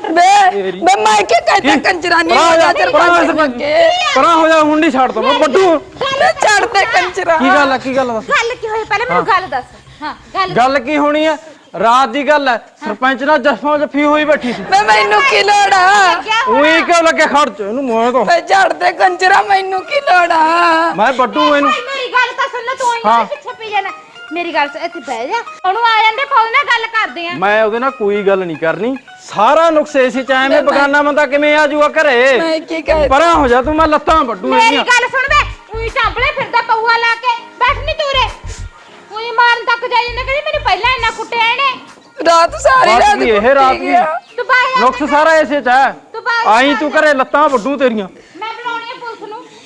S1: ਬੇ ਬੇ ਮੈਂ ਕੀ ਕਹਿੰਦਾ ਕੰਜਰਾ ਨਹੀਂ ਹੋ ਜਾ ਸਰਪੰਚ ਬੱਗੇ।
S7: ਪਰਾਂ ਹੋ ਜਾ, ਹੁਣ ਨਹੀਂ ਛੱਡਦਾ ਮੈਂ ਵੱਡੂ।
S1: ਛੱਡ ਦੇ ਕੰਜਰਾ।
S7: ਕੀ ਗੱਲ ਆ, ਕੀ ਗੱਲ ਦੱਸ।
S4: ਗੱਲ ਕੀ ਹੋਈ ਪਹਿਲਾਂ ਮੈਨੂੰ ਗੱਲ ਦੱਸ। ਹਾਂ ਗੱਲ
S7: ਗੱਲ ਕੀ ਹੋਣੀ ਐ, ਰਾਤ ਦੀ ਗੱਲ ਐ, ਸਰਪੰਚ ਨਾਲ ਜੱਫਾ ਜੱਫੀ ਹੋਈ ਬੈਠੀ ਸੀ।
S1: ਬੇ ਮੈਨੂੰ ਕੀ ਲੋੜ ਆ,
S7: ਉਹੀ ਕਿਉਂ ਲੱਗੇ, ਖੜ ਜਾ ਇਹਨੂੰ ਮੈਂ ਤਾਂ
S1: ਬੇ ਛੱਡ ਦੇ ਕੰਜਰਾ, ਮੈਨੂੰ ਕੀ ਲੋੜ ਆ।
S7: ਮੈਂ ਵੱਡੂ ਇਹਨੂੰ।
S4: ਭਾਈ ਮੇਰੀ ਗੱਲ ਤਾਂ ਸੁਣ ਲੈ, ਤੂੰ ਇੰਨੇ ਪਿੱਛੇ ਪਈ ਜਾਣਾ। ਮੇਰੀ ਗੱਲ ਸੁਣ, ਇੱਥੇ ਬਹਿ ਜਾ, ਉਹਨੂੰ ਆ ਜਾਂਦੇ ਫੌਜ ਨਾਲ ਗੱਲ ਕਰਦੇ ਆ।
S7: ਮੈਂ ਉਹਦੇ ਨਾਲ ਕੋਈ ਗੱਲ ਨਹੀਂ ਕਰਨੀ, ਸਾਰਾ ਨੁਕਸੇ ਸੀ ਚ ਐਵੇਂ ਬਗਾਨਾ ਬੰਦਾ ਕਿਵੇਂ ਆ ਜੂਗਾ ਘਰੇ।
S1: ਮੈਂ ਕੀ ਕਹਿ
S7: ਪਰਾਂ ਹੋ ਜਾ ਤੂੰ, ਮੈਂ ਲੱਤਾਂ ਵੱਡੂ
S4: ਮੇਰੀ
S7: ਇਹਦੀਆਂ।
S4: ਗੱਲ ਸੁਣ ਬੇ, ਉਹੀ ਚਾਂਪਲੇ ਫਿਰਦਾ ਪਊਆ ਲਾ ਕੇ ਬੈਠ ਨਹੀਂ ਤੂਰੇ। ਉਹੀ ਮਾਰਨ ਤੱਕ ਜਾਈ ਜਾਂਦਾ, ਕਹਿੰਦੀ ਮੈਨੂੰ ਪਹਿਲਾਂ ਇੰਨਾ ਕੁੱਟਿਆ ਇਹਨੇ।
S1: ਰਾਤ ਸਾਰੀ
S7: ਬਸ
S1: ਰਾਤ
S7: ਵੀ ਇਹ ਰਾਤ ਵੀ
S4: ਤੂੰ ਬਾਹਰ ਆ,
S7: ਨੁਕਸ ਸਾਰਾ ਇਸੇ ਚ ਹੈ।
S4: ਤੂੰ ਬਾਹਰ
S7: ਆਈ ਤੂੰ ਘਰੇ ਲੱਤਾਂ ਵੱਡੂ ਤੇਰੀਆਂ।
S4: ਮੈਂ ਬੁਲਾਉਣੀ ਆ ਪੁਲਿਸ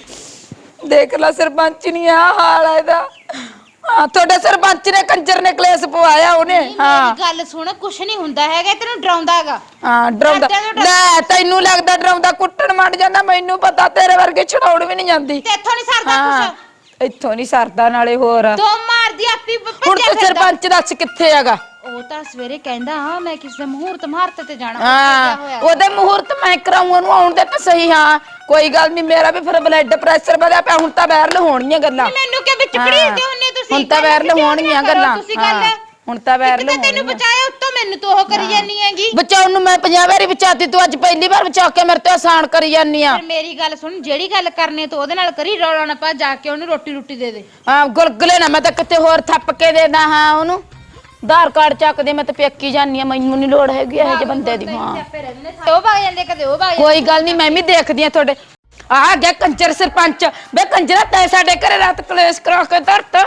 S4: ਨੂੰ।
S1: ਦੇਖ ਲੈ ਸਰਪੰਚ ਨਹੀਂ ਆ ਹਾਲ ਆ ਇਹਦਾ। ਹਾਂ ਤੁਹਾਡੇ ਸਰਪੰਚ ਨੇ ਕੰਜਰ ਨੇ ਕਲੇਸ਼ ਪਵਾਇਆ ਉਹਨੇ। ਹਾਂ
S4: ਮੇਰੀ ਗੱਲ ਸੁਣ, ਕੁਛ ਨਹੀਂ ਹੁੰਦਾ ਹੈਗਾ, ਤੈਨੂੰ ਡਰਾਉਂਦਾ ਹੈਗਾ।
S1: ਹਾਂ ਡਰਾਉਂਦਾ ਲੈ, ਤੈਨੂੰ ਲੱਗਦਾ ਡਰਾਉਂਦਾ, ਕੁੱਟਣ ਮੰਡ ਜਾਂਦਾ, ਮੈਨੂੰ ਪਤਾ ਤੇਰੇ ਵਰਗੇ ਛਡਾਉਣ ਵੀ ਨਹੀਂ ਜਾਂਦੀ।
S4: ਤੇ ਇੱਥੋਂ ਨਹੀਂ ਸਰਦਾ
S1: ਹਾਂ
S4: ਕੁਛ,
S1: ਇੱਥੋਂ ਨਹੀਂ ਸਰਦਾ, ਨਾਲੇ ਹੋਰ
S4: ਦੋ ਮਾਰਦੀ ਆਪੀ
S1: ਹੁਣ
S4: ਭੱਜਿਆ
S1: ਤੂੰ
S4: ਫਿਰਦਾ।
S1: ਸਰਪੰਚ ਦੱਸ ਕਿੱਥੇ ਹੈਗਾ।
S4: ਉਹ ਤਾਂ ਸਵੇਰੇ ਕਹਿੰਦਾ ਹਾਂ ਮੈਂ ਕਿਸੇ ਦੇ ਮਹੂਰਤ ਮਹਾਰਤ ਤੇ ਜਾਣਾ।
S1: ਹਾਂ
S4: ਹੋਇਆ
S1: ਉਹਦੇ ਮਹੂਰਤ ਮੈਂ ਕਰਾਉਂ, ਉਹਨੂੰ ਆਉਣ ਦੇ ਤਾਂ ਸਹੀ। ਹਾਂ ਕੋਈ ਗੱਲ ਨਹੀਂ, ਮੇਰਾ ਵੀ ਫਿਰ ਬਲੱਡ ਪ੍ਰੈਸ਼ਰ ਵਧਿਆ ਪਿਆ, ਹੁਣ ਤਾਂ ਵਾਇਰਲ ਹੋਣਗੀਆਂ ਗੱਲਾਂ।
S4: ਮੈਨੂੰ ਕਿ ਵਿੱਚ ਘੜੀਦੇ ਹੁੰਨੇ ਤੁਸੀਂ।
S1: ਹੁਣ ਤਾਂ ਵਾਇਰਲ ਹੋਣਗੀਆਂ ਗੱਲਾਂ।
S4: ਤੁਸੀਂ ਗੱਲ
S1: ਹਾਂ, ਹੁਣ ਤਾਂ ਵਾਇਰਲ
S4: ਤੈਨੂੰ
S1: ਹੋਣਗੀਆਂ।
S4: ਬਚਾਇਆ, ਉੱਤੋਂ ਮੈਨੂੰ ਤੂੰ ਉਹ ਕਰੀ ਜਾਨੀ ਹੈਗੀ।
S1: ਬਚਾਉਣ ਨੂੰ ਮੈਂ ਪੰਜਾਹ ਵਾਰੀ ਬਚਾਤੀ, ਤੂੰ ਅੱਜ ਪਹਿਲੀ ਵਾਰ ਬਚਾ ਕੇ ਮੇਰੇ ਤੇ ਆਸਾਨ ਕਰੀ ਜਾਨੀ ਆ।
S4: ਫਿਰ ਮੇਰੀ ਗੱਲ ਸੁਣ, ਜਿਹੜੀ ਗੱਲ ਕਰਨੀ ਤੂੰ ਉਹਦੇ ਨਾਲ ਕਰੀ, ਰੌਲਾ ਨਾ ਪਾ, ਜਾ ਕੇ ਉਹਨੂੰ ਰੋਟੀ ਰੋਟੀ ਦੇ ਦੇ।
S1: ਹਾਂ ਗੁਲਗੁਲੇ ਨਾ ਮੈਂ ਤਾਂ ਕਿਤੇ ਹੋਰ ਥੱਪ ਕੇ ਦੇਦਾ। ਹਾਂ ਉਹਨੂੰ ਆਧਾਰ ਕਾਰਡ ਚੱਕ ਦੇ, ਮੈਂ ਤਾਂ ਪੇਕੀ ਜਾਨੀ ਆ, ਮੈਨੂੰ ਨਹੀਂ ਲੋੜ ਹੈਗੀ ਇਹੋ ਜਿਹੇ ਬੰਦੇ ਦੀ। ਹਾਂ
S4: ਉਹ ਭਾਗ ਜਾਂਦੇ ਕਦੇ ਉਹ ਭਾਗ
S1: ਕੋਈ ਗੱਲ ਨਹੀਂ, ਮੈਂ ਵੀ ਦੇਖਦੀ ਆ ਤੁਹਾਡੇ। ਆ ਗਿਆ ਕੰਜਰ ਸਰਪੰਚ। ਬੇ ਕੰਜਰਾ ਤੈਂ ਸਾਡੇ ਘਰੇ ਰਾਤ ਕਲੇਸ਼ ਕਰਾ ਕੇ ਧਰਤ।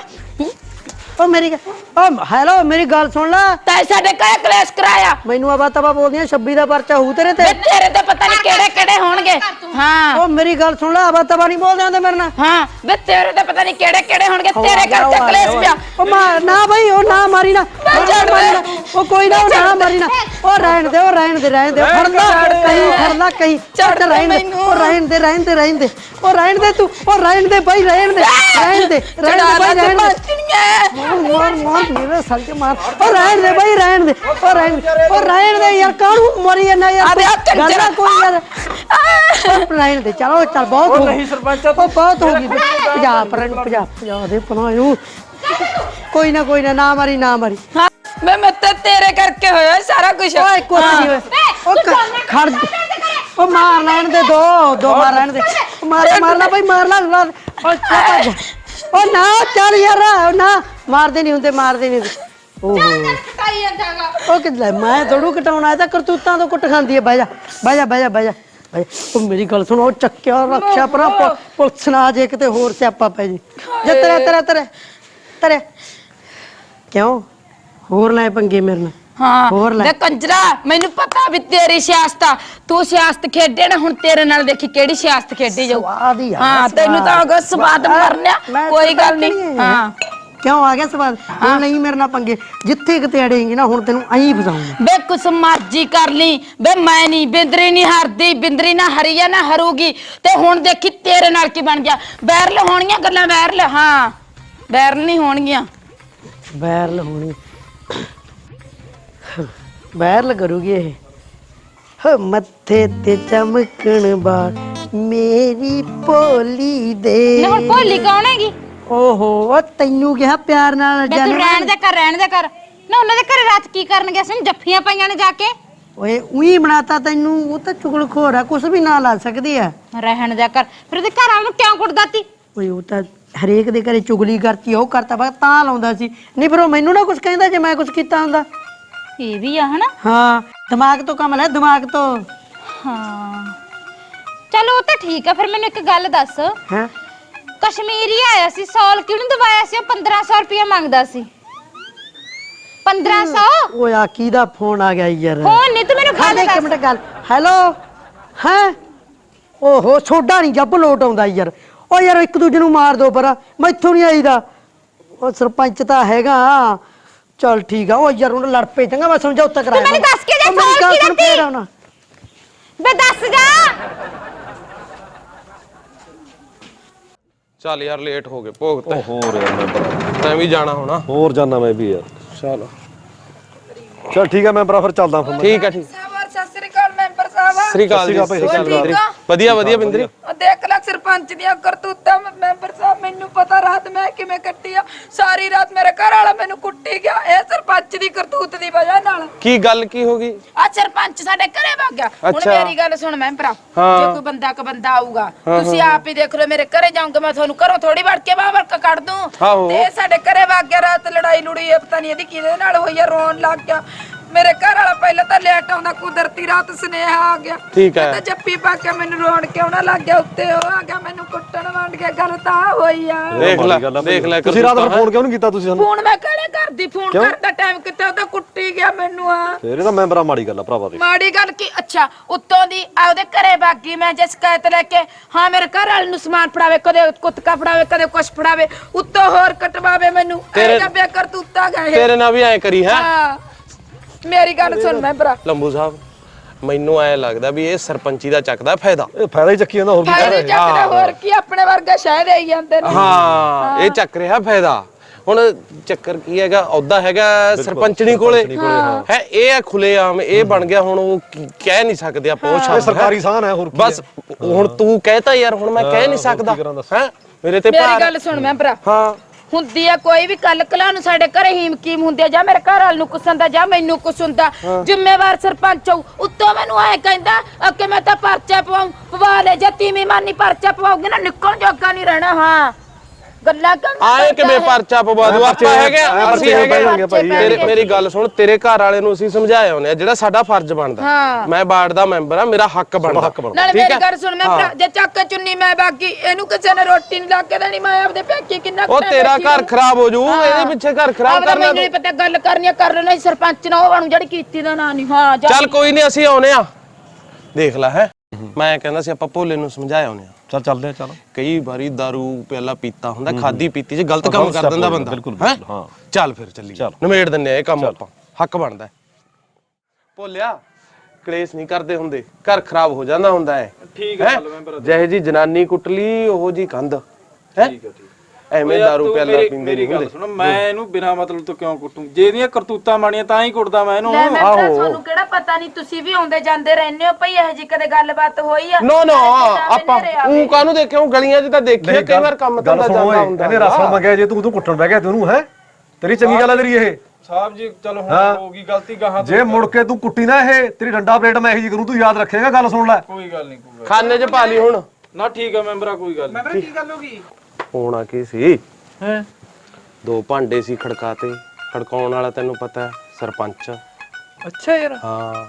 S2: ਓ ਮੇਰੀ ਓ ਹੈਲੋ, ਮੇਰੀ ਗੱਲ ਸੁਣ ਲੈ।
S1: ਤੈਂ ਸਾਡੇ ਘਰੇ ਕਲੇਸ਼ ਕਰਾਇਆ।
S2: ਮੈਨੂੰ ਆਵਾ ਤਵਾ ਬੋਲਦੀਆਂ, ਛੱਬੀ ਦਾ ਪਰਚਾ ਹੋਊ ਤੇਰੇ ਤੇ।
S1: ਬੇ ਤੇਰੇ ਤੇ ਪਤਾ ਨਹੀਂ ਕਿਹੜੇ ਕਿਹੜੇ ਹੋਣਗੇ। ਹਾਂ
S2: ਓ ਮੇਰੀ ਗੱਲ ਸੁਣ ਲੈ, ਆਵਾ ਤਵਾ ਨਹੀਂ ਬੋਲਦੇ ਆਂਦੇ ਮੇਰੇ ਨਾਲ।
S1: ਹਾਂ ਬੇ ਤੇਰੇ ਤੇ ਪਤਾ ਨਹੀਂ ਕਿਹੜੇ ਕਿਹੜੇ ਹੋਣਗੇ, ਤੇਰੇ ਘਰ ਤੇ ਕਲੇਸ਼ ਪਿਆ।
S2: ਓ ਮਾਰ ਨਾ ਬਈ, ਉਹ ਨਾ ਮਾਰੀ ਨਾ,
S1: ਛੱਡ
S2: ਮਾਰੀ ਨਾ। ਉਹ ਕੋਈ ਨਾ, ਉਹ ਨਾ ਮਾਰੀ ਨਾ। ਉਹ ਰਹਿਣ ਦੇ, ਉਹ ਰਹਿਣ ਦੇ, ਰਹਿਣ ਦੇ। ਫੜਨਾ ਕਹੀਂ, ਫੜਨਾ ਕਹੀਂ।
S1: ਛੱਡ
S2: ਰਹਿਣ ਦੇ,
S1: ਮੈਨੂੰ।
S2: ਉਹ ਰਹਿਣ ਦੇ, ਰਹਿਣ ਦੇ, ਰਹਿਣ ਦੇ। ਉਹ ਰਹਿਣ ਦੇ ਤੂੰ, ਉਹ ਰਹਿਣ ਦੇ ਬਈ, ਰਹਿਣ ਦੇ, ਰਹਿਣ ਦੇ, ਰਹਿਣ ਦੇ ਬਈ, ਰਹਿਣ ਦੇ। ਮਾਰ ਮਾਰ ਮੇਰੇ ਸਰ ਕੇ ਮਾਰ। ਉਹ ਰਹਿਣ ਦੇ ਬਈ, ਰਹਿਣ ਦੇ। ਉਹ ਰਹਿਣ ਦੇ, ਉਹ ਰਹਿਣ ਦੇ ਯਾਰ, ਕਾਹਨੂੰ ਮਰੀ ਜਾਂਦਾ ਯਾਰ। ਗੱਲ ਕੋਈ ਯਾਰ, ਰਹਿਣ ਦੇ। ਚਲੋ ਚੱਲ, ਬਹੁਤ ਹੋ
S7: ਨਹੀਂ ਸਰਪੰਚ,
S2: ਉਹ ਬਹੁਤ ਹੋ ਗਈ। ਪੰਜਾਬ ਪਰ ਪੰਜਾਬ ਪੰਜਾਬ ਦੇ ਪਨਾਇਓ। ਕੋਈ ਨਾ ਕੋਈ ਨਾ, ਨਾ ਮਾਰੀ, ਨਾ ਮਾਰੀ।
S1: ਹਾਂ ਮੈਂ ਮੈਂ ਤਾਂ ਤੇਰੇ ਕਰਕੇ ਹੋਇਆ ਸਾਰਾ ਕੁਝ।
S2: ਓਏ ਕੁਛ ਨਹੀਂ ਹੋਇਆ। ਉਹ ਕ- ਖੜ ਉਹ ਮਾਰ ਲੈਣ ਦੇ, ਦੋ ਦੋ ਮਾਰ ਲੈਣ ਦੇ। ਮਾਰ ਮਾਰ ਲੈ ਬਈ, ਮਾਰ ਲੈ। ਉਹ ਚੱਲ ਭੱਜ। ਉਹ ਨਾ ਚੱਲ ਯਾਰ, ਉਹ ਨਾ ਮਾਰਦੇ ਨਹੀਂ ਹੁੰਦੇ, ਮਾਰਦੇ ਨਹੀਂ ਹੁੰਦੇ। ਓਹੋ
S4: ਕਟਾਈ ਜਾਂਦਾਗਾ।
S2: ਉਹ ਕਿੱਲੇ ਮੈਂ ਥੋੜੂ ਕਟਾਉਣਾ, ਇਹ ਤਾਂ ਕਰਤੂਤਾਂ ਤੋਂ ਕੁੱਟ ਖਾਂਦੀ ਹੈ। ਬਹਿ ਜਾ, ਬਹਿ ਜਾ, ਬਹਿ ਜਾ, ਬਹਿ ਜਾ, ਬਹਿ ਜਾ। ਉਹ ਮੇਰੀ ਗੱਲ ਸੁਣੋ, ਉਹ ਚੱਕਿਆ ਰੱਖਿਆ ਪਰਾਂ, ਪੁ- ਪੁਲਿਸ ਨਾ ਆ ਜੇ ਕਿਤੇ ਹੋਰ ਸਿਆਪਾ ਪੈ ਜੇ। ਜੇ ਤੇਰਾ ਤੇਰਾ ਤੇਰਾ ਤੇਰੇ ਕਿਉਂ ਹੋਰ ਲੈ ਪੰਗੇ ਮੇਰੇ ਨਾਲ।
S1: ਹਾਂ
S2: ਹੋਰ ਲੈ।
S1: ਦੇ ਕੰਜਰਾ, ਮੈਨੂੰ ਪਤਾ ਵੀ ਤੇਰੀ ਸਿਆਸਤ ਆ, ਤੂੰ ਸਿਆਸਤ ਖੇਡੇ ਨਾ, ਹੁਣ ਤੇਰੇ ਨਾਲ ਦੇਖੀ ਕਿਹੜੀ ਸਿਆਸਤ ਖੇਡੀ ਜਾਊ।
S2: ਸਵਾਦ ਹੀ ਆ,
S1: ਹਾਂ
S2: ਸਵਾਦ।
S1: ਤੈਨੂੰ ਤਾਂ ਅਗਰ ਸਵਾਦ ਮਰਨਿਆ,
S2: ਮੈਂ
S1: ਕੋਈ
S2: ਤਾਂ
S1: ਗੱਲ ਨਹੀਂ।
S2: ਨਹੀਂ।
S1: ਹਾਂ
S2: ਕਿਉਂ ਆ ਗਿਆ ਸਵਾਦ? ਹੁਣ ਨਹੀਂ ਮੇਰੇ ਨਾਲ ਪੰਗੇ, ਜਿੱਥੇ ਕਿਤੇ ਅੜੇਂਗੀ ਨਾ, ਹੁਣ ਤੈਨੂੰ ਐਂ ਫਸਾਉਂਗਾ।
S1: ਬੇ ਕੁਛ ਮਰਜ਼ੀ ਕਰ ਲਈ ਬੇ, ਮੈਂ ਨਹੀਂ ਬਿੰਦਰੀ ਨਹੀਂ ਹਰਦੀ, ਬਿੰਦਰੀ ਨਾ ਹਰੀਆ ਨਾ ਹਰੂਗੀ। ਤੇ ਹੁਣ ਦੇਖੀ ਤੇਰੇ ਨਾਲ ਕੀ ਬਣ ਗਿਆ। ਵਾਇਰਲ ਹੋਣੀਆਂ ਗੱਲਾਂ, ਵਾਇਰਲ। ਹਾਂ ਵਾਇਰਲ ਨਹੀਂ ਹੋਣਗੀਆਂ,
S2: ਵਾਇਰਲ ਹੋਣੀ। ਵਾਇਰਲ ਕਰੂਗੀ ਇਹ। ਹੋ ਮੱਥੇ ਤੇ ਚਮਕਣ ਬਾਰ ਮੇਰੀ ਭੋਲੀ ਦੇ।
S4: ਨਾ ਹੁਣ ਭੋਲੀ ਕੌਣ ਹੈਗੀ?
S2: ਓਹੋ, ਉਹ ਤੈਨੂੰ ਕਿਹਾ ਪਿਆਰ ਨਾਲ
S4: ਮੈਂ ਤੂੰ ਰਹਿਣ ਦੇ ਕਰ, ਰਹਿਣ ਦੇ ਕਰ ਨਾ। ਉਹਨਾਂ ਦੇ ਘਰੇ ਰਾਤ ਕੀ ਕਰਨ ਗਿਆ ਸੀ? ਜੱਫੀਆਂ ਪਾਈਆਂ ਨੇ ਜਾ ਕੇ।
S2: ਓਏ ਉਹੀ ਬਣਾਤਾ ਤੈਨੂੰ, ਉਹ ਤਾਂ ਚੁਗਲਖੋਰ ਆ, ਕੁਛ ਵੀ ਨਾ ਲਾ ਸਕਦੀ ਆ।
S4: ਰਹਿਣ ਦੇ ਕਰ, ਫਿਰ ਉਹਦੇ ਘਰ ਵਾਲ ਨੂੰ ਕਿਉਂ ਕੁੱਟਦਾ ਤੀ?
S2: ਓਏ ਉਹ ਤਾਂ ਹਰੇਕ ਦੇ ਘਰੇ ਚੁਗਲੀ ਕਰਤੀ, ਉਹ ਕਰਤਾ ਬਸ ਤਾਂ ਲਾਉਂਦਾ ਸੀ। ਨਹੀਂ ਫਿਰ ਉਹ ਮੈਨੂੰ ਨਾ ਕੁਛ ਕਹਿੰਦਾ ਜੇ ਮੈਂ ਕੁਛ ਕੀਤਾ ਹੁੰਦਾ।
S4: ਇਹ ਵੀ ਆ ਹਨਾ।
S2: ਹਾਂ ਦਿਮਾਗ ਤੋਂ ਕੰਮ ਲੈ, ਦਿਮਾਗ ਤੋਂ।
S4: ਹਾਂ ਚਲੋ ਉਹ ਤਾਂ ਠੀਕ ਆ। ਫਿਰ ਮੈਨੂੰ ਇੱਕ ਗੱਲ ਦੱਸ,
S2: ਹੈ
S4: ਕਸ਼ਮੀਰੀ ਆਇਆ ਸੀ, ਸੌਲ ਕਿਹਨੂੰ ਦਵਾਇਆ ਸੀ? ਉਹ ਪੰਦਰਾਂ ਸੌ ਰੁਪਇਆ ਮੰਗਦਾ ਸੀ। ਪੰਦਰਾਂ ਸੌ।
S2: ਓਏ ਆ ਕਿਹਦਾ ਫੋਨ ਆ ਗਿਆ ਯਾਰ?
S4: ਫੋਨ ਨਹੀਂ, ਤੂੰ ਮੈਨੂੰ
S2: ਹਾਂ
S4: ਗੱਲ
S2: ਇੱਕ
S4: ਦੱਸ।
S2: ਮਿੰਟ ਗੱਲ। ਹੈਲੋ ਹੈ। ਓਹੋ ਛੋਡਾ ਨਹੀਂ ਜੱਬ ਲੋਟ ਆਉਂਦਾ ਯਾਰ। ਓ ਯਾਰ ਇੱਕ ਦੂਜੇ ਨੂੰ ਮਾਰ ਦੋ ਪਰ, ਮੈਥੋਂ ਨਹੀਂ ਆਈਦਾ। ਉਹ ਸਰਪੰਚ ਤਾਂ ਹੈਗਾ। ਚਲ ਠੀਕ ਆ। ਉਹ ਯਾਰ ਉਹਨੂੰ ਲੜ ਪਏ, ਚੰਗਾ ਮੈਂ ਸਮਝੌਤਾ ਕਰਾਇਆ।
S4: ਤੂੰ ਮੈਨੂੰ ਦੱਸ ਕੇ ਜਾ,
S2: ਉਹ ਮੇਰੀ
S4: ਸੌਲ
S2: ਗੱਲ
S4: ਕੀ
S2: ਸੁਣ,
S4: ਦਿੱਤੀ?
S2: ਫੇਰ ਆਉਣਾ।
S4: ਬੇ ਦੱਸ ਜਾ।
S9: ਚੱਲ ਯਾਰ ਲੇਟ ਹੋ ਗਏ ਭੋਗ ਤੇ।
S10: ਹੋਰ ਯਾਰ ਮੈਂਬਰ
S9: ਤੈਂ ਵੀ ਜਾਣਾ ਹੋਣਾ।
S10: ਹੋਰ ਜਾਣਾ ਮੈਂ ਵੀ ਯਾਰ।
S9: ਚਲ
S10: ਚਲ ਠੀਕ ਹੈ ਮੈਂਬਰਾ ਫਿਰ ਚੱਲਦਾ ਫਿਰ ਮੈਂ।
S9: ਠੀਕ ਹੈ ਠੀਕ।
S1: ਸਤਿ ਸ੍ਰੀ ਅਕਾਲ ਮੈਂਬਰ ਸਾਹਿਬ।
S9: ਸ੍ਰੀ ਅਕਾਲ ਜੀ।
S10: ਸਤਿ ਸ਼੍ਰੀ ਅਕਾਲ ਭਾਈ।
S1: ਠੀਕ ਆ?
S9: ਵਧੀਆ ਵਧੀਆ ਬਿੰਦਰੀ।
S1: ਉਹ ਦੇਖ ਲੈ ਸਰਪੰਚ ਦੀਆਂ ਕਰਤੂਤਾਂ ਮੈਂਬਰ ਸਾਹਿਬ, ਮੈਨੂੰ ਪਤਾ ਰਾਤ ਮੈਂ ਕਿਵੇਂ ਕੱਟੀ ਆ। ਸਾਰੀ ਰਾਤ ਮੇਰੇ ਘਰ ਵਾਲਾ ਮੈਨੂੰ ਕੁੱਟੀ ਗਿਆ, ਇਹ ਸਰਪੰਚ ਦੀ ਕਰਤੂਤ ਦੀ ਵਜ੍ਹਾ ਨਾਲ।
S9: ਕੀ ਗੱਲ ਕੀ ਹੋ ਗਈ?
S1: ਆ ਸਰਪੰਚ ਸਾਡੇ ਘਰੇ ਵਗ ਗਿਆ। ਹੁਣ
S9: ਅੱਛਾ।
S1: ਮੇਰੀ ਗੱਲ ਸੁਣ ਮੈਂਬਰਾ, ਜੇ ਕੋਈ ਬੰਦਾ ਕ ਬੰਦਾ ਆਊਗਾ ਤੁਸੀਂ ਆਪ ਹੀ ਦੇਖ ਲਓ। ਮੇਰੇ ਘਰੇ ਜਾਊਂਗਾ ਮੈਂ, ਤੁਹਾਨੂੰ ਘਰੋਂ ਥੋੜੀ ਵੜ ਕੇ ਬਾਹਰ ਕੱਢ ਦੂੰ।
S9: ਆਹੋ।
S1: ਤੇ ਸਾਡੇ ਘਰੇ ਵਗ ਗਿਆ ਰਾਤ, ਲੜਾਈ ਲੁੜੀ ਇਹ ਪਤਾ ਨਹੀਂ ਇਹਦੀ ਕਿਹਦੇ ਨਾਲ ਹੋਈ ਆ, ਰੋਣ ਲੱਗ ਗਿਆ। ਮੇਰੇ ਘਰ ਵਾਲਾ ਪਹਿਲਾਂ ਤਾਂ ਲੇਟ ਆਉਂਦਾ, ਕੁਦਰਤੀ ਰਾਤ ਸੁਨੇਹਾ ਆ ਗਿਆ।
S9: ਠੀਕ ਹੈ।
S1: ਤੇ ਜੱਫੀ ਪਾ ਕੇ ਮੈਨੂੰ ਰੋਣ ਕਿਉਂ ਨਾ ਲੱਗ ਗਿਆ, ਉੱਤੇ ਉਹ ਆ ਗਿਆ ਮੈਨੂੰ ਕੁੱਟਣ ਵੰਡ ਗਿਆ। ਗੱਲ ਤਾਂ ਹੋਈ ਆ।
S9: ਦੇਖ ਲੈ ਦੇਖ ਲੈ
S10: ਤੁਸੀਂ ਰਾਤ ਨੂੰ ਫੋਨ ਕਿਉਂ ਨਹੀਂ ਕੀਤਾ ਤੁਸੀਂ ਸਾਨੂੰ?
S1: ਫੋਨ ਮੈਂ ਕਿਹੜੇ ਕਰਦੀ, ਫੋਨ ਕਰਦਾ ਟਾਈਮ ਕਿਤੇ ਉਹ ਤਾਂ ਕੁੱਟੀ ਗਿਆ ਮੈਨੂੰ। ਆ
S10: ਫੇਰ ਇਹ ਤਾਂ ਮੈਂਬਰਾ ਮਾੜੀ ਗੱਲ ਆ ਭਰਾਵਾ ਦੀ।
S1: ਮਾੜੀ ਗੱਲ ਕੀ? ਅੱਛਾ ਉੱਤੋਂ ਦੀ ਆ ਉਹਦੇ ਘਰੇ ਬਾਗੀ ਮੈਂ ਜੇ ਸ਼ਿਕਾਇਤ ਲੈ ਕੇ, ਹਾਂ ਮੇਰੇ ਘਰ ਵਾਲੇ ਨੂੰ ਸਮਾਨ ਫੜਾਵੇ, ਕਦੇ ਕੁੱਤਕਾ ਫੜਾਵੇ, ਕਦੇ ਕੁਛ ਫੜਾਵੇ, ਉੱਤੋਂ ਹੋਰ ਕਟਵਾਵੇ ਮੈਨੂੰ।
S9: ਤੇਰੇ-
S1: ਇਹ ਬੇਕਰ ਤੂਤਾ ਗਏ।
S9: ਤੇਰੇ ਨਾਲ ਵੀ ਐ ਕਰੀ ਹੈ।
S1: ਹਾਂ ਮੇਰੀ ਗੱਲ ਸੁਣ ਮੈਂ ਭਰਾ,
S9: ਲੰਬੂ ਸਾਹਿਬ ਮੈਨੂੰ ਐ ਲੱਗਦਾ ਵੀ ਇਹ ਸਰਪੰਚੀ ਦਾ ਚੱਕਦਾ ਫਾਇਦਾ।
S10: ਇਹ ਫਾਇਦਾ ਹੀ ਚੱਕੀ ਜਾਂਦਾ, ਹੋਰ ਕੀ ਕਰ
S1: ਫਾਇਦੇ
S10: ਰਹੇ।
S1: ਚੱਕਦਾ ਹੋਰ ਕੀ, ਆਪਣੇ ਵਰਗਾ ਸ਼ਹਿਰ ਆਈ ਜਾਂਦੇ ਨੇ।
S9: ਹਾਂ ਇਹ ਚੱਕ ਰਿਹਾ ਫਾਇਦਾ। ਹੁਣ ਚੱਕਰ ਕੀ ਹੈਗਾ, ਅਹੁਦਾ ਹੈਗਾ ਸਰਪੰਚਣੀ ਕੋਲੇ ਹੈ, ਇਹ ਹੈ ਖੁੱਲੇਆਮ, ਇਹ ਬਣ ਗਿਆ। ਹੁਣ ਉਹ ਕੀ- ਕਹਿ ਨਹੀਂ ਸਕਦੇ ਆਪਾਂ ਉਹ
S10: ਇਹ
S9: ਸ਼ਬਦ
S10: ਸਰਕਾਰੀ ਸਾਨ ਹੈ, ਹੋਰ ਕੀ
S9: ਬਸ ਹੁਣ ਤੂੰ ਕਹਿਤਾ ਯਾਰ, ਹੁਣ ਮੈਂ ਕਹਿ ਨਹੀਂ ਸਕਦਾ ਹੈ ਮੇਰੇ ਤੇ
S1: ਮੇਰੀ
S9: ਭਾਰ।
S1: ਗੱਲ ਸੁਣ ਮੈਂ ਭਰਾ,
S9: ਹਾਂ
S1: ਹੁੰਦੀ ਆ ਕੋਈ ਵੀ ਕੱਲ ਕਲਾ ਨੂੰ ਸਾਡੇ ਘਰੇ ਹੀਮ ਕੀਮ ਹੁੰਦੀ ਆ, ਜਾਂ ਮੇਰੇ ਘਰ ਵਾਲ ਨੂੰ ਕੁਛ ਹੁੰਦਾ ਜਾਂ ਮੈਨੂੰ ਕੁਛ ਹੁੰਦਾ। ਜ਼ਿੰਮੇਵਾਰ ਸਰਪੰਚ ਹੋਊ, ਉੱਤੋਂ ਮੈਨੂੰ ਐ ਕਹਿੰਦਾ ਕਿ ਮੈਂ ਤਾਂ ਪਰਚਾ ਪਵਾਉਂ। ਪਵਾ ਲੈ, ਜੇ ਤੀਵੀਂ ਮਾਨੀ ਪਰਚਾ ਪਵਾਉਗੀ ਨਾ ਨਿਕਲ ਜੋਗਾ ਨਹੀਂ ਰਹਿਣਾ। ਹਾਂ ਗੱਲਾਂ ਕਰਨ
S9: ਆਏ ਕਿਵੇਂ ਪਰਚਾ ਪਵਾ ਦੂ? ਆਪਾਂ ਹੈਗੇ ਅਸੀਂ ਹੈਗੇ ਤੇਰੇ। ਮੇਰੀ ਗੱਲ ਸੁਣ, ਤੇਰੇ ਘਰ ਵਾਲੇ ਨੂੰ ਅਸੀਂ ਸਮਝਾਇਆ ਹੁੰਦੇ ਆ, ਜਿਹੜਾ ਸਾਡਾ ਫਰਜ਼ ਬਣਦਾ। ਮੈਂ ਵਾਰਡ ਦਾ ਮੈਂਬਰ ਆ, ਮੇਰਾ ਹੱਕ ਬਣਦਾ।
S1: ਨਾਲੇ ਮੇਰੀ ਗੱਲ ਸੁਣ ਮੈਂ ਭਰਾ, ਜੇ ਚੱਕ ਚੁੰਨੀ ਮੈਂ ਬਾਗੀ, ਇਹਨੂੰ ਕਿਸੇ ਨੇ ਰੋਟੀ ਨਹੀਂ ਲਾ ਕੇ ਦੇਣੀ। ਮੈਂ ਆਪਦੇ ਪੇਕੇ ਕਿੰਨਾ
S9: ਉਹ ਤੇਰਾ ਘਰ ਖਰਾਬ ਹੋ ਜੂ, ਇਹਦੇ ਪਿੱਛੇ ਘਰ ਖਰਾਬ ਕਰਨਾ।
S1: ਮੈਨੂੰ ਨਹੀਂ ਪਤਾ ਗੱਲ ਕਰਨੀ ਆ ਕਰ ਲੈਣਾ, ਸਰਪੰਚ ਨਾ ਉਹ ਬਣੂ ਜਿਹੜੀ ਕੀਤੀ ਦਾ ਨਾਂ ਨਹੀਂ। ਹਾਂ
S9: ਚੱਲ ਕੋਈ ਨਹੀਂ, ਅਸੀਂ ਆਉਨੇ ਆ। ਦੇਖ ਲੈ ਹੈ, ਮੈਂ ਕਹਿੰਦਾ ਸੀ ਆਪਾਂ ਭੋਲੇ ਨੂੰ ਸਮਝਾਇਆ ਹੁੰਦੇ ਆ।
S10: ਚੱਲ ਚੱਲਦੇ ਆ। ਚੱਲ
S9: ਕਈ ਵਾਰੀ ਦਾਰੂ ਪਿਆਲਾ ਪੀਤਾ ਹੁੰਦਾ, ਖਾਦੀ ਪੀਤੀ ਚ ਗਲਤ ਕੰਮ ਕਰ ਦਿੰਦਾ ਬੰਦਾ।
S10: ਬਿਲਕੁਲ
S9: ਹੈਂ?
S10: ਹਾਂ
S9: ਚੱਲ ਫਿਰ ਚੱਲੀਏ, ਨਿਮੇੜ ਦਿੰਨੇ ਆ ਇਹ ਕੰਮ ਆਪਾਂ, ਹੱਕ ਬਣਦਾ। ਭੋਲਿਆ ਕਲੇਸ਼ ਨਹੀਂ ਕਰਦੇ ਹੁੰਦੇ, ਘਰ ਖਰਾਬ ਹੋ ਜਾਂਦਾ ਹੁੰਦਾ ਹੈ।
S7: ਠੀਕ ਹੈ ਮੈਂਬਰ।
S9: ਜਿਹੇ ਜੀ ਜਨਾਨੀ ਕੁੱਟ ਲਈ ਉਹ ਜੀ ਕੰਧ ਹੈ।
S7: ਠੀਕ ਹੈ ਠੀਕ।
S9: ਐਵੇਂ ਦਾਰੂ ਪਿਆਲਾ ਪੀਂਦੇ
S7: ਮੇਰੀ
S9: ਨਹੀਂ
S7: ਗੱਲ
S9: ਹੁੰਦੇ।
S7: ਸੁਣ, ਮੈਂ ਇਹਨੂੰ ਬਿਨਾਂ ਮਤਲਬ ਤੋਂ ਕਿਉਂ ਕੁੱਟੂ? ਜੇ ਇਹਦੀਆਂ ਕਰਤੂਤਾਂ ਮਾਣੀਆਂ ਤਾਂ ਹੀ ਕੁੱਟਦਾ ਮੈਂ ਇਹਨੂੰ।
S1: ਲੈ ਮੈਂ ਭਰਾ, ਤੁਹਾਨੂੰ ਕਿਹੜਾ ਪਤਾ ਨਹੀਂ, ਤੁਸੀਂ ਵੀ ਆਉਂਦੇ ਜਾਂਦੇ ਰਹਿੰਦੇ ਹੋ ਭਈ। ਇਹ ਜੀ ਕਦੇ ਗੱਲਬਾਤ ਹੋਈ ਆ?
S9: ਨੋ ਨੋ ਆਪਾਂ ਉਹ ਕਾਹਨੂੰ ਦੇਖਿਆ, ਉਹ ਗਲੀਆਂ 'ਚ ਤਾਂ ਦੇਖਿਆ ਕਈ ਵਾਰ ਕੰਮ ਤਾਂ ਜਾਂਦਾ ਹੁੰਦਾ।
S10: ਇਹਨੇ ਰਸਮ ਮੰਗਿਆ, ਜੇ ਤੂੰ ਤੂੰ ਕੁੱਟਣ ਬਹਿ ਗਿਆ ਤੈਨੂੰ ਹੈ, ਤੇਰੀ ਚੰਗੀ ਗੱਲ ਆ ਤੇਰੀ ਇਹ।
S7: ਸਾਹਿਬ ਜੀ ਚਲੋ ਹੁਣ ਹੋ ਗਈ ਗਲਤੀ, ਗਾਹਾਂ
S10: ਜੇ ਮੁੜ ਕੇ ਤੂੰ ਕੁੱਟੀ ਨਾ ਇਹ, ਤੇਰੀ ਡੰਡਾ ਪਲੇਟ ਮੈਂ ਇਹੀ ਜੀ ਕਰੂੰ, ਤੂੰ ਯਾਦ ਰੱਖੇਗਾ। ਗੱਲ ਸੁਣ ਲੈ।
S7: ਕੋਈ ਗੱਲ ਨਹੀਂ ਕੋਈ ਗੱਲ
S9: ਖਾਨੇ 'ਚ ਪਾ ਲਈ ਹੁਣ।
S7: ਨਾ ਠੀਕ ਹੈ ਮੈਂਬਰਾ, ਕੋਈ ਗੱਲ ਨਹੀਂ। ਮੈਂਬਰਾ ਕੀ ਗੱਲ ਹੋ ਗਈ?
S9: ਹੋਣਾ ਕੀ ਸੀ,
S7: ਹੈ
S9: ਦੋ ਭਾਂਡੇ ਸੀ ਖੜਕਾਤੇ। ਖੜਕਾਉਣ ਵਾਲਾ ਤੈਨੂੰ ਪਤਾ ਹੈ ਸਰਪੰਚ।
S7: ਅੱਛਾ ਯਾਰ।
S9: ਹਾਂ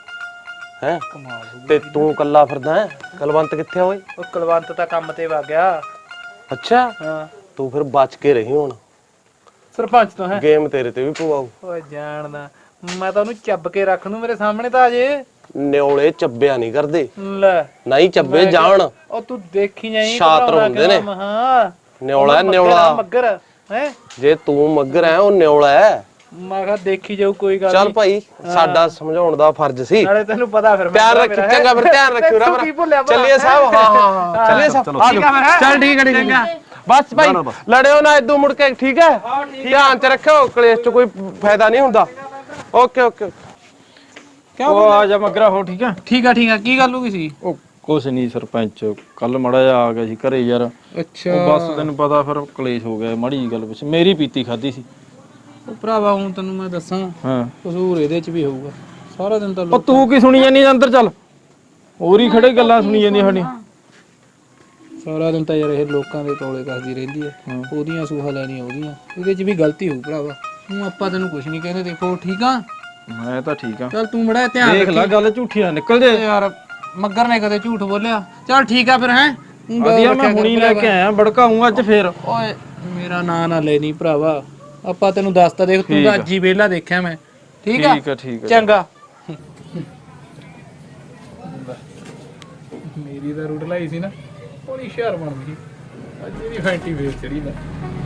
S9: ਹੈ ਤੇ ਤੂੰ ਕੱਲਾ ਫਿਰਦਾ ਹੈ। ਕਲਵੰਤ ਕਿੱਥੇ ਓਏ?
S7: ਉਹ ਕੁਲਵੰਤ ਤਾਂ ਕੰਮ ਤੇ ਵਗ ਗਿਆ।
S9: ਅੱਛਾ
S7: ਹਾਂ
S9: ਤੂੰ ਫਿਰ ਬਚ ਕੇ ਰਹੀ ਹੁਣ,
S7: ਸਰਪੰਚ ਤੋਂ ਹੈ।
S9: ਗੇਮ ਤੇਰੇ ਤੇ ਵੀ ਪਵਾਉ।
S7: ਓਏ ਜਾਣਦਾ ਮੈਂ ਤਾਂ ਉਹਨੂੰ ਚੱਬ ਕੇ ਰੱਖ ਦੂੰ, ਮੇਰੇ ਸਾਹਮਣੇ ਤਾਂ ਆ ਜੇ।
S9: ਨਿਓਲੇ ਚੱਬਿਆ ਨਹੀਂ ਕਰਦੇ,
S7: ਲੈ
S9: ਨਹੀਂ ਚੱਬੇ ਜਾਣ।
S7: ਉਹ ਤੂੰ ਦੇਖੀ ਜਾਈ
S9: ਸ਼ਾਤਰ ਹੁੰਦੇ ਨੇ।
S7: ਹਾਂ
S9: ਨਿਓਲਾ ਨਿਓਲਾ
S7: ਮੱਗਰ ਹੈ।
S9: ਜੇ ਤੂੰ ਮੱਗਰ ਹੈ ਉਹ ਨਿਓਲਾ ਹੈ।
S7: ਮੈਂ ਕਿਹਾ ਦੇਖੀ ਜਾਊ, ਕੋਈ ਗੱਲ
S9: ਚੱਲ ਭਾਈ ਸਾਡਾ ਸਮਝਾਉਣ ਦਾ ਫਰਜ਼ ਸੀ।
S7: ਨਾਲੇ ਤੈਨੂੰ ਪਤਾ ਫਿਰ
S9: ਪਿਆਰ ਰੱਖੀ, ਚੰਗਾ ਫਿਰ ਧਿਆਨ ਰੱਖਿਓ ਨਾ। ਚੱਲੀਏ ਸਾਹਿਬ। ਹਾਂ ਹਾਂ ਹਾਂ ਚੱਲੀਏ ਸਾਹਿਬ। ਚੱਲ ਠੀਕ ਹੈ ਠੀਕ ਹੈ। ਬਸ ਭਾਈ ਲੜਿਓ ਨਾ ਇਦੋਂ ਮੁੜ ਕੇ, ਠੀਕ ਹੈ? ਧਿਆਨ ਚ ਰੱਖਿਓ, ਕਲੇਸ਼ ਚ ਕੋਈ ਫਾਇਦਾ ਨਹੀਂ ਹੁੰਦਾ। Okay okay.
S7: ਕਿਉਂ ਉਹ ਆ ਜਾ ਮਗਰਾ ਹੋ। ਠੀਕ ਆ ਠੀਕ ਆ ਠੀਕ ਆ। ਕੀ ਗੱਲ ਹੋ ਗਈ ਸੀ?
S11: ਉਹ ਕੁਛ ਨਹੀਂ ਸਰਪੰਚ, ਕੱਲ ਮੜਾ ਜਾ ਆ ਗਿਆ ਸੀ ਘਰੇ ਯਾਰ।
S7: ਅੱਛਾ
S11: ਉਹ ਬਸ ਤੈਨੂੰ ਪਤਾ ਫਿਰ ਕਲੇਸ਼ ਹੋ ਗਿਆ ਮਾੜੀ ਜੀ ਗੱਲ ਪਿੱਛੇ। ਮੇਰੀ ਪੀਤੀ ਖਾਦੀ ਸੀ
S7: ਉਹ ਭਰਾਵਾ, ਹੁਣ ਤੈਨੂੰ ਮੈਂ ਦੱਸਾਂ
S11: ਹਾਂ।
S7: ਕਸੂਰ ਇਹਦੇ ਚ ਵੀ ਹੋਊਗਾ। ਸਾਰਾ ਦਿਨ ਤਾਂ
S11: ਉਹ ਤੂੰ ਕੀ ਸੁਣੀ ਜਾਂਦੀ ਅੰਦਰ? ਚੱਲ ਹੋਰ ਹੀ ਖੜੇ ਗੱਲਾਂ ਸੁਣੀ ਜਾਂਦੀਆਂ ਸਾਡੀਆਂ।
S7: ਸਾਰਾ ਦਿਨ ਤਾਂ ਯਾਰ ਇਹ ਲੋਕਾਂ ਦੇ ਤੋਲੇ ਕਰਦੀ ਰਹਿੰਦੀ ਹੈ। ਉਹਦੀਆਂ ਸੂਹਾ ਲੈਣੀਆਂ ਉਹਦੀਆਂ, ਇਹਦੇ ਚ ਵੀ ਗਲਤੀ ਹੋਊ ਭਰਾਵਾ। ਹੁਣ ਆਪਾਂ ਤੈਨੂੰ ਕੁਝ ਨਹੀਂ ਕਹਿੰਦੇ, ਦੇਖੋ ਠੀਕ ਆ।
S11: ਮੈਂ ਤਾਂ ਠੀਕ ਆ।
S7: ਚੱਲ ਤੂੰ ਮੜਾ ਧਿਆਨ
S11: ਦੇਖ ਲੈ ਗੱਲ ਝੂਠੀ ਨਾ ਨਿਕਲ ਜੇ
S7: ਯਾਰ। ਮੱਗਰ ਨੇ ਕਦੇ ਝੂਠ ਬੋਲਿਆ? ਚੱਲ ਠੀਕ ਆ ਫਿਰ। ਹੈ
S11: ਵਧੀਆ, ਮੈਂ ਹੁਣੀ ਲੈ ਕੇ ਆਇਆ, ਭੜਕਾਉਂਗਾ ਅੱਜ ਫੇਰ।
S7: ਓਏ ਮੇਰਾ ਨਾਂ ਨਾ ਲੈ ਨਹੀਂ ਭਰਾਵਾ, ਆਪਾਂ ਤੈਨੂੰ ਦੱਸਤਾ। ਦੇਖ ਤੂੰ ਤਾਂ ਅੱਜ ਹੀ ਵਿਹਲਾ ਦੇਖਿਆ ਮੈਂ। ਠੀਕ ਆ
S11: ਠੀਕ ਆ ਠੀਕ ਆ
S7: ਚੰਗਾ। ਮੇਰੀ ਤਾਂ ਰੂਟ ਲਾਈ ਸੀ ਨਾ, ਉਹਦੀ ਸ਼ਹਿਰ ਬਣ ਗਈ। ਅੱਜ ਇਹਦੀ ਫੈਂਟੀ ਵੇਚ ਚੜੀ ਨਾ।